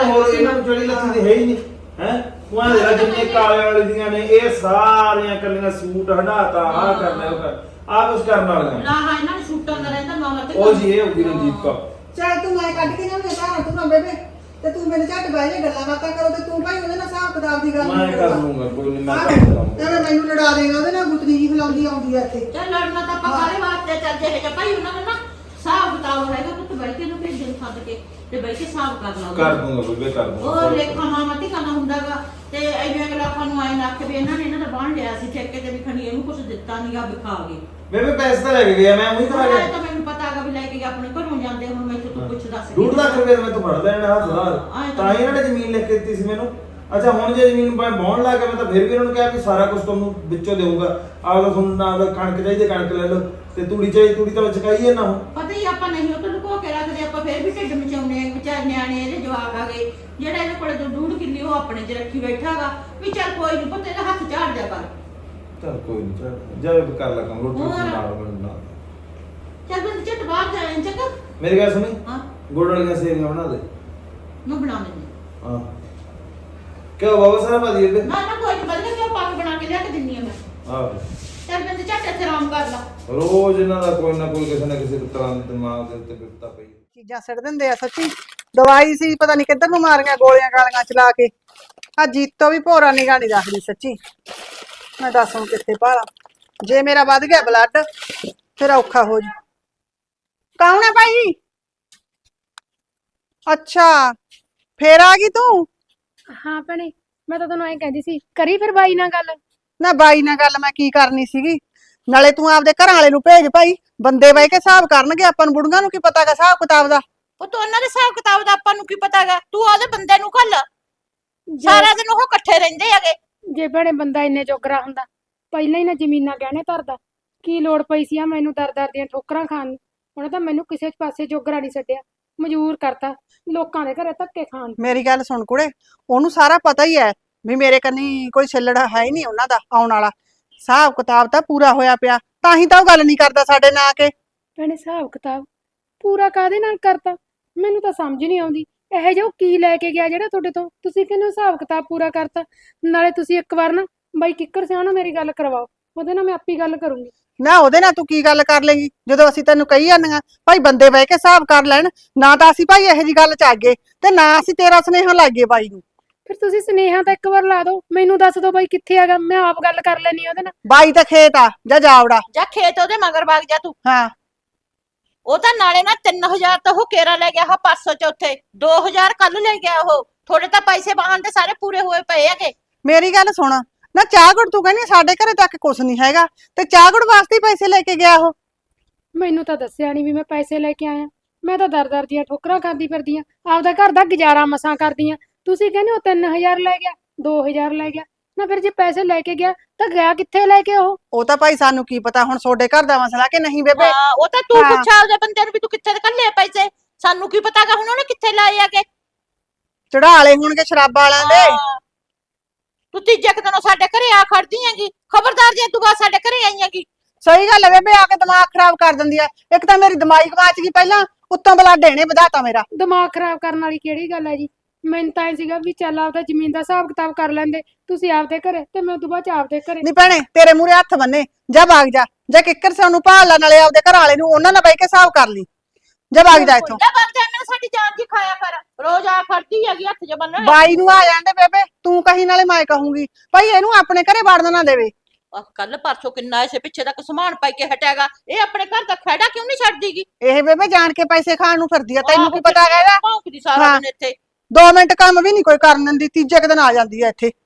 Speaker 9: ਨੂੰ ਜਿਹੜੀ ਲੱਥੀ ਦੀ ਹੈ ਹੀ ਨਹੀਂ ਹੈ। ਉਹਨਾਂ ਦੇ ਜਿੰਨੇ ਕਾਲੇ ਵਾਲੇ ਦੀਆਂ ਨੇ, ਇਹ ਸਾਰੀਆਂ ਕੱਲੀਆਂ ਸੂਟ ਹਟਾਤਾ, ਆਹ ਕਰਨਾ ਉਹ ਕਰ, ਆਹ ਕੁਛ ਕਰਨ ਵਾਲੀਆਂ।
Speaker 5: ਨਾ ਹਾਂ ਇਹਨਾਂ ਨੂੰ ਛੂਟਾਂ ਦਾ ਰਹਿੰਦਾ ਮਾਮਾ ਤੇ
Speaker 9: ਉਹ ਜੀ ਇਹ ਹੋਗੀ ਰਣਜੀਤ ਕੌਰ।
Speaker 6: ਚੱਲ ਤੂੰ ਮੈਂ ਕੱਢ ਕੇ ਲਿਆਉਂਦੇ ਘਰ ਤੂੰ ਨਾ ਬੇਬੇ, ਤੇ ਤੂੰ ਮੇਰੇ ਝੱਟ ਬਹਿ ਜਾ, ਗੱਲਾਂ ਬਾਤਾਂ ਕਰੋ ਤੇ ਤੂੰ ਭਾਈ ਉਹਦੇ ਨਾਲ ਹਿਸਾਬ ਕਿਤਾਬ ਦੀ ਗੱਲ
Speaker 9: ਮੈਂ
Speaker 6: ਨਹੀਂ
Speaker 9: ਕਰ
Speaker 6: ਕਰਦਾ।
Speaker 9: ਲੂੰਗਾ, ਕੋਈ ਨਹੀਂ ਮੈਂ ਕਰ ਲੂੰਗਾ।
Speaker 6: ਐਵੇਂ ਮੈਨੂੰ ਲੜਾ ਦੇਗਾ ਉਹਦੇ ਨਾਲ, ਗੁੱਤਨੀ ਜੀ ਖਲਾਉਂਦੀ ਆਉਂਦੀ ਆ ਇੱਥੇ।
Speaker 5: ਚੱਲ ਲੜਨਾ ਤਾਂ ਆਪਾਂ ਸਾਰੇ ਵਾਸਤੇ ਚੱਲ ਜੇ ਹੈ ਭਾਈ ਉਹਨਾਂ ਦਾ ਨਾ ਹਿਸਾਬ ਕਿਤਾਬ ਹੈਗਾ, ਪੁੱਤ ਬੈਠ ਕੇ ਨੂੰ ਭੇਜਣ ਸੱਦ ਕੇ ਤੇ ਬੈਠ ਕੇ ਹਿਸਾਬ ਕਰ ਲਾ।
Speaker 9: ਕਰ ਦੂੰਗਾ ਬੇਬੇ, ਕਰ ਦੂੰਗਾ।
Speaker 5: ਉਹ ਲੇਖਾ ਮਾਮਾ ਤੇ ਕਰਨਾ ਹੁੰਦਾਗਾ, ਤੇ ਐਵੇਂ ਅਗਲਾ ਆਪਾਂ ਨੂੰ ਆਏ ਨਾ ਕਿ ਵੀ ਇਹਨਾਂ ਨੇ ਇਹਨਾਂ ਦਾ ਬਾਣ ਲਿਆ ਸੀ ਠੇਕੇ ਤੇ ਵੀ ਖਣੀ, ਇਹਨੂੰ ਕੁਝ ਦਿੱਤਾ ਨਹੀਂ ਆ ਵਿਖਾ ਗਏ।
Speaker 9: ਬੇਬੇ ਪੈਸੇ ਤਾਂ ਲੈ ਕੇ ਗਿਆ, ਮੈਂ ਉਹੀ ਖਾ ਗਿਆ।
Speaker 5: ਤਾਂ ਮੈਨੂੰ ਪਤਾ ਹੈਗਾ ਵੀ ਲੈ ਕੇ ਆਪਣੇ ਘਰੋਂ ਜਾਂਦੇ, ਹੁਣ ਮੈਂ ਤੂੰ ਪੁੱਛਦਾ ਸੀ।
Speaker 9: 2 ਲੱਖ ਰੁਪਏ ਮੈਂ ਤੋਂ ਫੜ ਲੈਣਾ ਹੱਥ ਨਾਲ, ਤਾਂ ਹੀ ਇਹਨਾਂ ਨੇ ਜ਼ਮੀਨ ਲਿਖ ਕੇ ਦਿੱਤੀ ਸੀ ਮੈਨੂੰ। ਅੱਛਾ ਹੁਣ ਜੇ ਜ਼ਮੀਨ ਬਾਉਣ ਲੱਗ ਗਿਆ, ਮੈਂ ਤਾਂ ਫਿਰ ਵੀ ਇਹਨਾਂ ਨੂੰ ਕਿਹਾ ਵੀ ਸਾਰਾ ਕੁਝ ਤੁਹਾਨੂੰ ਵਿੱਚੋਂ ਦੇਵਾਂਗਾ। ਆਪਦਾ ਤੁਹਾਨੂੰ ਨਾਲ ਕਣਕ ਚਾਹੀਦੀ ਕਣਕ ਲੈ ਲਓ, ਤੇ ਤੂੜੀ ਚਾਹੀਦੀ ਤੂੜੀ ਤਾਂ ਚਕਾਈ ਹੈ ਨਾ। ਹੁਣ
Speaker 5: ਪਤਾ ਹੀ ਆਪਾਂ ਨਹੀਂ ਉਹ ਤੋਂ ਲੁਕੋ ਕੇ ਰੱਖਦੇ, ਆਪਾਂ ਫਿਰ ਵੀ ਢਿੱਡ ਮਚਾਉਣੇ ਆ। ਵਿਚਾਰ ਨਿਆਣੇ ਇਹਦੇ ਜਵਾਕ ਆ ਗਏ, ਜਿਹੜਾ ਇਹਦੇ ਕੋਲੇ ਤੋਂ 2.5 ਕਿੱਲੇ ਉਹ ਆਪਣੇ 'ਚ ਰੱਖੀ ਬੈਠਾਗਾ ਵੀ ਚੱਲ ਕੋਈ ਨਹੀਂ ਪੁੱਤ ਇਹਦਾ ਹੱਥ ਝਾੜ ਜਾ ਕਰ।
Speaker 9: ਚੱਲ ਕੋਈ ਨਹੀਂ ਜਾ ਕਰ ਲਾ ਕੰਮ ਰੋਟੀ
Speaker 5: ਹੋਰ।
Speaker 9: ਨਾਲ ਬਣਾ
Speaker 5: ਚੱਲ ਬੰਦ ਝਟ ਬਾਹਰ ਜਾਏ ਚੱਕਾ।
Speaker 9: ਮੇਰੀ ਗੱਲ ਸੁਣੀ
Speaker 5: ਹਾਂ
Speaker 9: ਗੁੜ ਵਾਲੀਆਂ ਸੇਵੀਆਂ ਬਣਾ ਦੇ
Speaker 5: ਮੈਂ ਬਣਾ ਲੈਂਦੀ।
Speaker 9: ਹਾਂ ਕਿਉਂ ਬਾਬਾ ਸਾਰਾ ਭਾਜੀ ਇਹਦੇ
Speaker 5: ਨਾ ਨਾ ਕੋਈ ਬਦਲੇ ਕਿ ਪੱਕ ਬਣਾ ਕੇ ਲਿਆ ਕੇ ਦਿੰਨੀ ਆ ਮੈਂ।
Speaker 9: ਆਹ
Speaker 5: ਚੱਲ ਬੰਦ ਝਟ ਇੱਥੇ ਆਰਾਮ ਕਰ ਲਾ।
Speaker 9: ਰੋਜ਼ ਇਹਨਾਂ ਦਾ ਕੋਈ ਨਾ ਕੋਈ ਕਿਸੇ ਨਾ ਕਿਸੇ ਤਰ੍ਹਾਂ ਦੇ ਦਿਮਾਗ ਦੇ ਉੱਤੇ ਬਿਪਤਾ ਪਈ
Speaker 6: ਚੀਜ਼ਾਂ ਸਿੱਟ ਦਿੰਦੇ ਆ ਸੱਚੀ। ਦਵਾਈ ਸੀ ਪਤਾ ਨਹੀਂ ਕਿੱਧਰ ਨੂੰ ਮਾਰੀਆਂ ਗੋਲੀਆਂ ਗਾਲੀਆਂ ਚਲਾ ਕੇ। ਆ ਜੀਤੋ ਵੀ ਭੋਰਾ ਨਿਗਾਹ ਨਹੀਂ ਰੱਖਦੀ ਸੱਚੀ। ਮੈਂ ਦੱਸ ਹੁਣ ਕਿੱਥੇ ਭਾਲਾ ਜੇ ਮੇਰਾ ਵੱਧ ਗਿਆ ਬਲੱਡ ਫਿਰ ਔਖਾ ਹੋ ਜੂ। ਕੌਣ ਹੈ ਭਾਈ? ਅੱਛਾ ਫੇਰ ਆ ਗਈ ਤੂੰ?
Speaker 10: ਹਾਂ ਭੈਣੇ, ਮੈਂ ਤਾਂ ਤੈਨੂੰ ਐਂ ਕਹਿੰਦੀ ਸੀ, ਕਰੀ ਫਿਰ ਬਾਈ ਨਾਲ ਗੱਲ।
Speaker 6: ਨਾ ਬਾਈ ਨਾਲ ਗੱਲ ਮੈਂ ਕੀ ਕਰਨੀ ਸੀਗੀ। ਨਾਲੇ ਤੂੰ ਆਪਦੇ ਘਰਾਂ ਵਾਲੇ ਨੂੰ ਭੇਜ ਭਾਈ, ਬੰਦੇ ਬਹਿ ਕੇ ਹਿਸਾਬ ਕਰਨਗੇ। ਆਪਾਂ ਨੂੰ ਬੁੜੀਆਂ ਨੂੰ ਕੀ ਪਤਾਗਾ ਹਿਸਾਬ ਕਿਤਾਬ ਦਾ?
Speaker 5: ਉਹ ਤਾਂ ਉਹਨਾਂ ਦੇ ਹਿਸਾਬ ਕਿਤਾਬ ਦਾ ਆਪਾਂ ਨੂੰ ਕੀ ਪਤਾਗਾ। ਤੂੰ ਉਹਦੇ ਬੰਦੇ ਨੂੰ ਘੱਲ। ਸਾਰਾ ਦਿਨ ਉਹ ਇਕੱਠੇ ਰਹਿੰਦੇ ਹੈਗੇ।
Speaker 10: ਜੇ ਭੈਣੇ ਬੰਦਾ ਇੰਨੇ ਜੋਗਰਾ ਹੁੰਦਾ, ਪਹਿਲਾਂ ਹੀ ਨਾ ਜ਼ਮੀਨਾਂ ਗਹਿਣੇ ਧਰਦਾ। ਕੀ ਲੋੜ ਪਈ ਸੀ ਆ ਮੈਨੂੰ ਦਰ ਦੀਆਂ ਠੋਕਰਾਂ ਖਾਣ ਨੂੰ? ਉਹਨੇ ਤਾਂ ਮੈਨੂੰ ਕਿਸੇ ਪਾਸੇ ਜੋਗਰਾ ਨਹੀਂ ਛੱਡਿਆ, ਮਜਬੂਰ ਕਰਤਾ ਲੋਕਾਂ ਦੇ ਘਰੇ ਧੱਕੇ ਖਾਣ ਨੂੰ।
Speaker 6: ਮੇਰੀ ਗੱਲ ਸੁਣ ਕੁੜੇ, ਉਹਨੂੰ ਸਾਰਾ ਪਤਾ ਹੀ ਹੈ ਵੀ ਮੇਰੇ ਕੰਨੀ ਕੋਈ ਛੱਲੜ ਹੈ ਹੀ ਨਹੀਂ ਉਹਨਾਂ ਦਾ ਆਉਣ ਵਾਲਾ। ਹਿਸਾਬ ਕਿਤਾਬ ਤਾਂ ਪੂਰਾ ਹੋਇਆ ਪਿਆ, ਤਾਂ ਹੀ ਤਾਂ ਉਹ ਗੱਲ ਨਹੀਂ ਕਰਦਾ ਸਾਡੇ ਨਾਲ ਆ ਕੇ।
Speaker 10: ਭੈਣੇ ਹਿਸਾਬ ਕਿਤਾਬ ਪੂਰਾ ਕਾਹਦੇ ਨਾਲ ਕਰਤਾ? ਮੈਨੂੰ ਤਾਂ ਸਮਝ ਨਹੀਂ ਆਉਂਦੀ। ਇਹੋ ਜਿਹਾ ਉਹ ਕੀ ਲੈ ਕੇ ਗਿਆ ਜਿਹੜਾ ਤੁਹਾਡੇ ਤੋਂ ਤੁਸੀਂ ਕਹਿੰਦੇ ਹੋ ਹਿਸਾਬ ਕਿਤਾਬ ਪੂਰਾ ਕਰਤਾ? ਨਾਲੇ ਤੁਸੀਂ ਇੱਕ ਵਾਰ ਨਾ ਬਾਈ ਕਿੱਕਰ ਸਿਆਂ ਨਾਲ ਮੇਰੀ ਗੱਲ ਕਰਵਾਓ, ਉਹਦੇ ਨਾਲ ਮੈਂ ਆਪੀ ਗੱਲ ਕਰੂੰਗੀ।
Speaker 6: ਨਾ ਉਹਦੇ ਨਾਲ ਤੂੰ ਕੀ ਗੱਲ ਕਰ ਲੇਗੀ ਜਦੋਂ ਅਸੀਂ ਤੈਨੂੰ ਕਹੀ ਜਾਂਦੀਆਂ ਭਾਈ ਬੰਦੇ ਬਹਿ ਕੇ ਹਿਸਾਬ ਕਰ ਲੈਣ। ਨਾ ਤਾਂ ਅਸੀਂ ਭਾਈ ਇਹੋ ਜੀ ਗੱਲ ਚ ਆਗੇ ਤੇ ਨਾ ਅਸੀਂ ਤੇਰਾ ਸੁਨੇਹਾ ਲਾਗੇ ਬਾਈ ਨੂੰ।
Speaker 10: ਫਿਰ ਤੁਸੀਂ ਸੁਨੇਹਾ ਤਾਂ ਇੱਕ ਵਾਰ ਲਾ ਦਿਓ, ਮੈਨੂੰ ਦੱਸ ਦਿਓ ਬਾਈ ਕਿੱਥੇ ਹੈਗਾ, ਮੈਂ ਆਪ ਗੱਲ ਕਰ ਲੈਣੀ ਉਹਦੇ ਨਾਲ।
Speaker 6: ਬਾਈ ਤਾਂ ਖੇਤ ਆ, ਜਾ ਜਾਵੜਾ।
Speaker 5: ਜਾਂ ਖੇਤ ਉਹਦੇ ਮਗਰ ਵਗ ਜਾ ਤੂੰ।
Speaker 6: ਹਾਂ
Speaker 5: ਉਹ ਤਾਂ ਨਾਲੇ ਨਾ 3000 ਤਾਂ ਉਹ ਕੇਰਾ ਲੈ ਗਿਆ। ਹਾਂ 500 ਚੌਥੇ 2000 ਕੱਲ ਲੈ ਗਿਆ ਉਹ। ਥੋੜੇ ਤਾਂ ਪੈਸੇ ਬਾਹਨ ਦੇ ਸਾਰੇ ਪੂਰੇ ਹੋਏ ਪਏ ਹੈਗੇ।
Speaker 6: ਮੇਰੀ ਗੱਲ ਸੁਣ, ਨਾ ਚਾਹ ਗੁੜ ਤੂੰ ਕਹਿੰਦੀ ਸਾਡੇ ਘਰੇ ਤੱਕ ਕੁਛ ਨਹੀਂ ਹੈਗਾ ਤੇ ਚਾਹ ਗੁੜ ਵਾਸਤੇ ਹੀ ਪੈਸੇ ਲੈ ਕੇ ਗਿਆ ਉਹ।
Speaker 10: ਮੈਨੂੰ ਤਾਂ ਦੱਸਿਆ ਨਹੀਂ ਵੀ ਮੈਂ ਪੈਸੇ ਲੈ ਕੇ ਆਇਆ। ਮੈਂ ਤਾਂ ਦਰ ਦੀਆਂ ਠੋਕਰਾਂ ਖਾਂਦੀ ਫਿਰਦੀ ਆਂ, ਆਪਦਾ ਘਰ ਦਾ ਗੁਜ਼ਾਰਾ ਮਸਾਂ ਕਰਦੀ ਆਂ। ਤੁਸੀਂ ਕਹਿੰਦੇ ਹੋ 3000 ਲੈ ਗਿਆ, 2000 ਲੈ ਗਿਆ। ਨਾ ਫਿਰ ਜੇ ਪੈਸੇ ਲੈ ਕੇ ਗਿਆ ਤਾਂ ਗਿਆ ਕਿੱਥੇ ਲੈ ਕੇ ਉਹ
Speaker 6: ਤਾਂ ਭਾਈ ਸਾਨੂੰ ਕੀ ਪਤਾ ਹੁਣ ਤੁਹਾਡੇ ਘਰ ਦਾ ਮਸਲਾ ਕਿ ਨਹੀਂ ਬੇਬੇ।
Speaker 5: ਹਾਂ ਉਹ ਤਾਂ ਤੂੰ
Speaker 6: ਹਾਂ।
Speaker 5: ਪੁੱਛਾ ਉਹਦੇ ਬੰਦੇ ਨੂੰ ਵੀ ਤੂੰ ਕਿੱਥੇ ਕੱਲੇ ਪੈਸੇ। ਸਾਨੂੰ ਕੀ ਪਤਾਗਾ ਹੁਣ ਉਹਨੇ ਕਿੱਥੇ ਲਾਏ ਆਗੇ।
Speaker 6: ਚੜਾ ਲਏ ਹੋਣਗੇ ਸ਼ਰਾਬਾਂ ਵਾਲਿਆਂ ਦੇ।
Speaker 5: ਹਾਂ। ਤੂੰ ਤੀਜੇ ਕੁ ਦਿਨੋਂ ਸਾਡੇ ਘਰੇ ਆ ਖੜਦੀ ਹੈਗੀ। ਖਬਰਦਾਰ ਜੇ ਤੂੰ ਬਾਅਦ ਸਾਡੇ ਘਰੇ ਆਈ ਹੈਗੀ।
Speaker 6: ਸਹੀ ਗੱਲ ਹੈ ਬੇਬੇ, ਆ ਕੇ ਦਿਮਾਗ ਖਰਾਬ ਕਰ ਦਿੰਦੀ ਆ। ਇੱਕ ਤਾਂ ਮੇਰੀ ਦਿਮਾਗੀ ਗਵਾਚ ਗਈ ਪਹਿਲਾਂ, ਉੱਤੋਂ ਬਲੱਡ ਇਹਨੇ ਵਧਾਤਾ ਮੇਰਾ।
Speaker 10: ਦਿਮਾਗ ਖਰਾਬ ਕਰਨ ਵਾਲੀ ਕਿਹੜੀ ਗੱਲ ਹੈ ਜੀ? ਮੈਨੂੰ ਤਾਂ ਇਹ ਸੀਗਾ ਵੀ ਚੱਲ ਆਪਦਾ ਜ਼ਮੀਨ ਦਾ ਹਿਸਾਬ ਕਿਤਾਬ ਕਰ ਲੈਂਦੇ ਤੁਸੀਂ ਆਪਦੇ ਘਰੇ ਤੇ ਮੈਂ ਉਦੋਂ ਬਾਅਦ ਚ ਆਪਦੇ ਘਰੇ।
Speaker 6: ਨਹੀਂ ਭੈਣੇ ਤੇਰੇ ਮੂਹਰੇ ਹੱਥ ਬੰਨੇ, ਜਾ ਭਾਗ ਜਾ। ਜੇ ਕਿੱਕਰ ਸੇ ਉਹਨੂੰ ਭਾਲ ਲਾ, ਨਾਲੇ ਆਪਦੇ ਘਰ ਵਾਲੇ ਨੂੰ ਉਹਨਾਂ ਨਾਲ ਬਹਿ ਕੇ ਹਿਸਾਬ ਕਰ ਲਈ। ਜਾ ਭਾਗ ਜਾ ਇੱਥੋਂ।
Speaker 5: ਜਾ ਵਗ ਜਾ, ਮੈਂ ਸਾਡੀ ਜਾਨ ਜੀ ਖਾਇਆ ਕਰ। ਰੋਜ਼ ਆ ਖੜਦੀ ਹੈਗੀ ਹੱਥ ਜ ਬੰਨਣ।
Speaker 6: ਬਾਈ ਨੂੰ ਆ ਜਾਂਦੇ ਬੇਬੇ, ਤੂੰ ਕਹੀ ਨਾਲੇ ਮੈਂ ਕਹੂੰਗੀ ਭਾਈ ਇਹਨੂੰ ਆਪਣੇ ਘਰੇ ਵੜਨ ਨਾ ਦੇਵੇ।
Speaker 5: ਕੱਲ ਪਰਸੋਂ ਕਿੰਨਾ ਇਸੇ ਪਿੱਛੇ ਤੱਕ ਸਮਾਨ ਪਾਈ ਕੇ ਹਟਿਆਗਾ। ਇਹ ਆਪਣੇ ਘਰ ਦਾ ਖੜਾ ਕਿਉਂ ਨਹੀਂ ਛੱਡਦੀਗੀ?
Speaker 6: ਇਹ ਬੇਬੇ ਜਾਣ ਕੇ ਪੈਸੇ ਖਾਣ ਨੂੰ ਫਿਰਦੀ ਆ, ਤੈਨੂੰ ਕੀ ਪਤਾ ਹੈਗਾ?
Speaker 5: ਭੌਂਕਦੀ ਸਾਰਾ
Speaker 6: ਹਾਂ।
Speaker 5: ਦਿਨ ਇੱਥੇ।
Speaker 6: 2 ਮਿੰਟ ਕੰਮ ਵੀ ਨਹੀਂ ਕੋਈ ਕਰਨ ਦਿੰਦੀ, ਤੀਜੇ ਕੁ ਦਿਨ ਆ ਜਾਂਦੀ ਆ ਇੱਥੇ।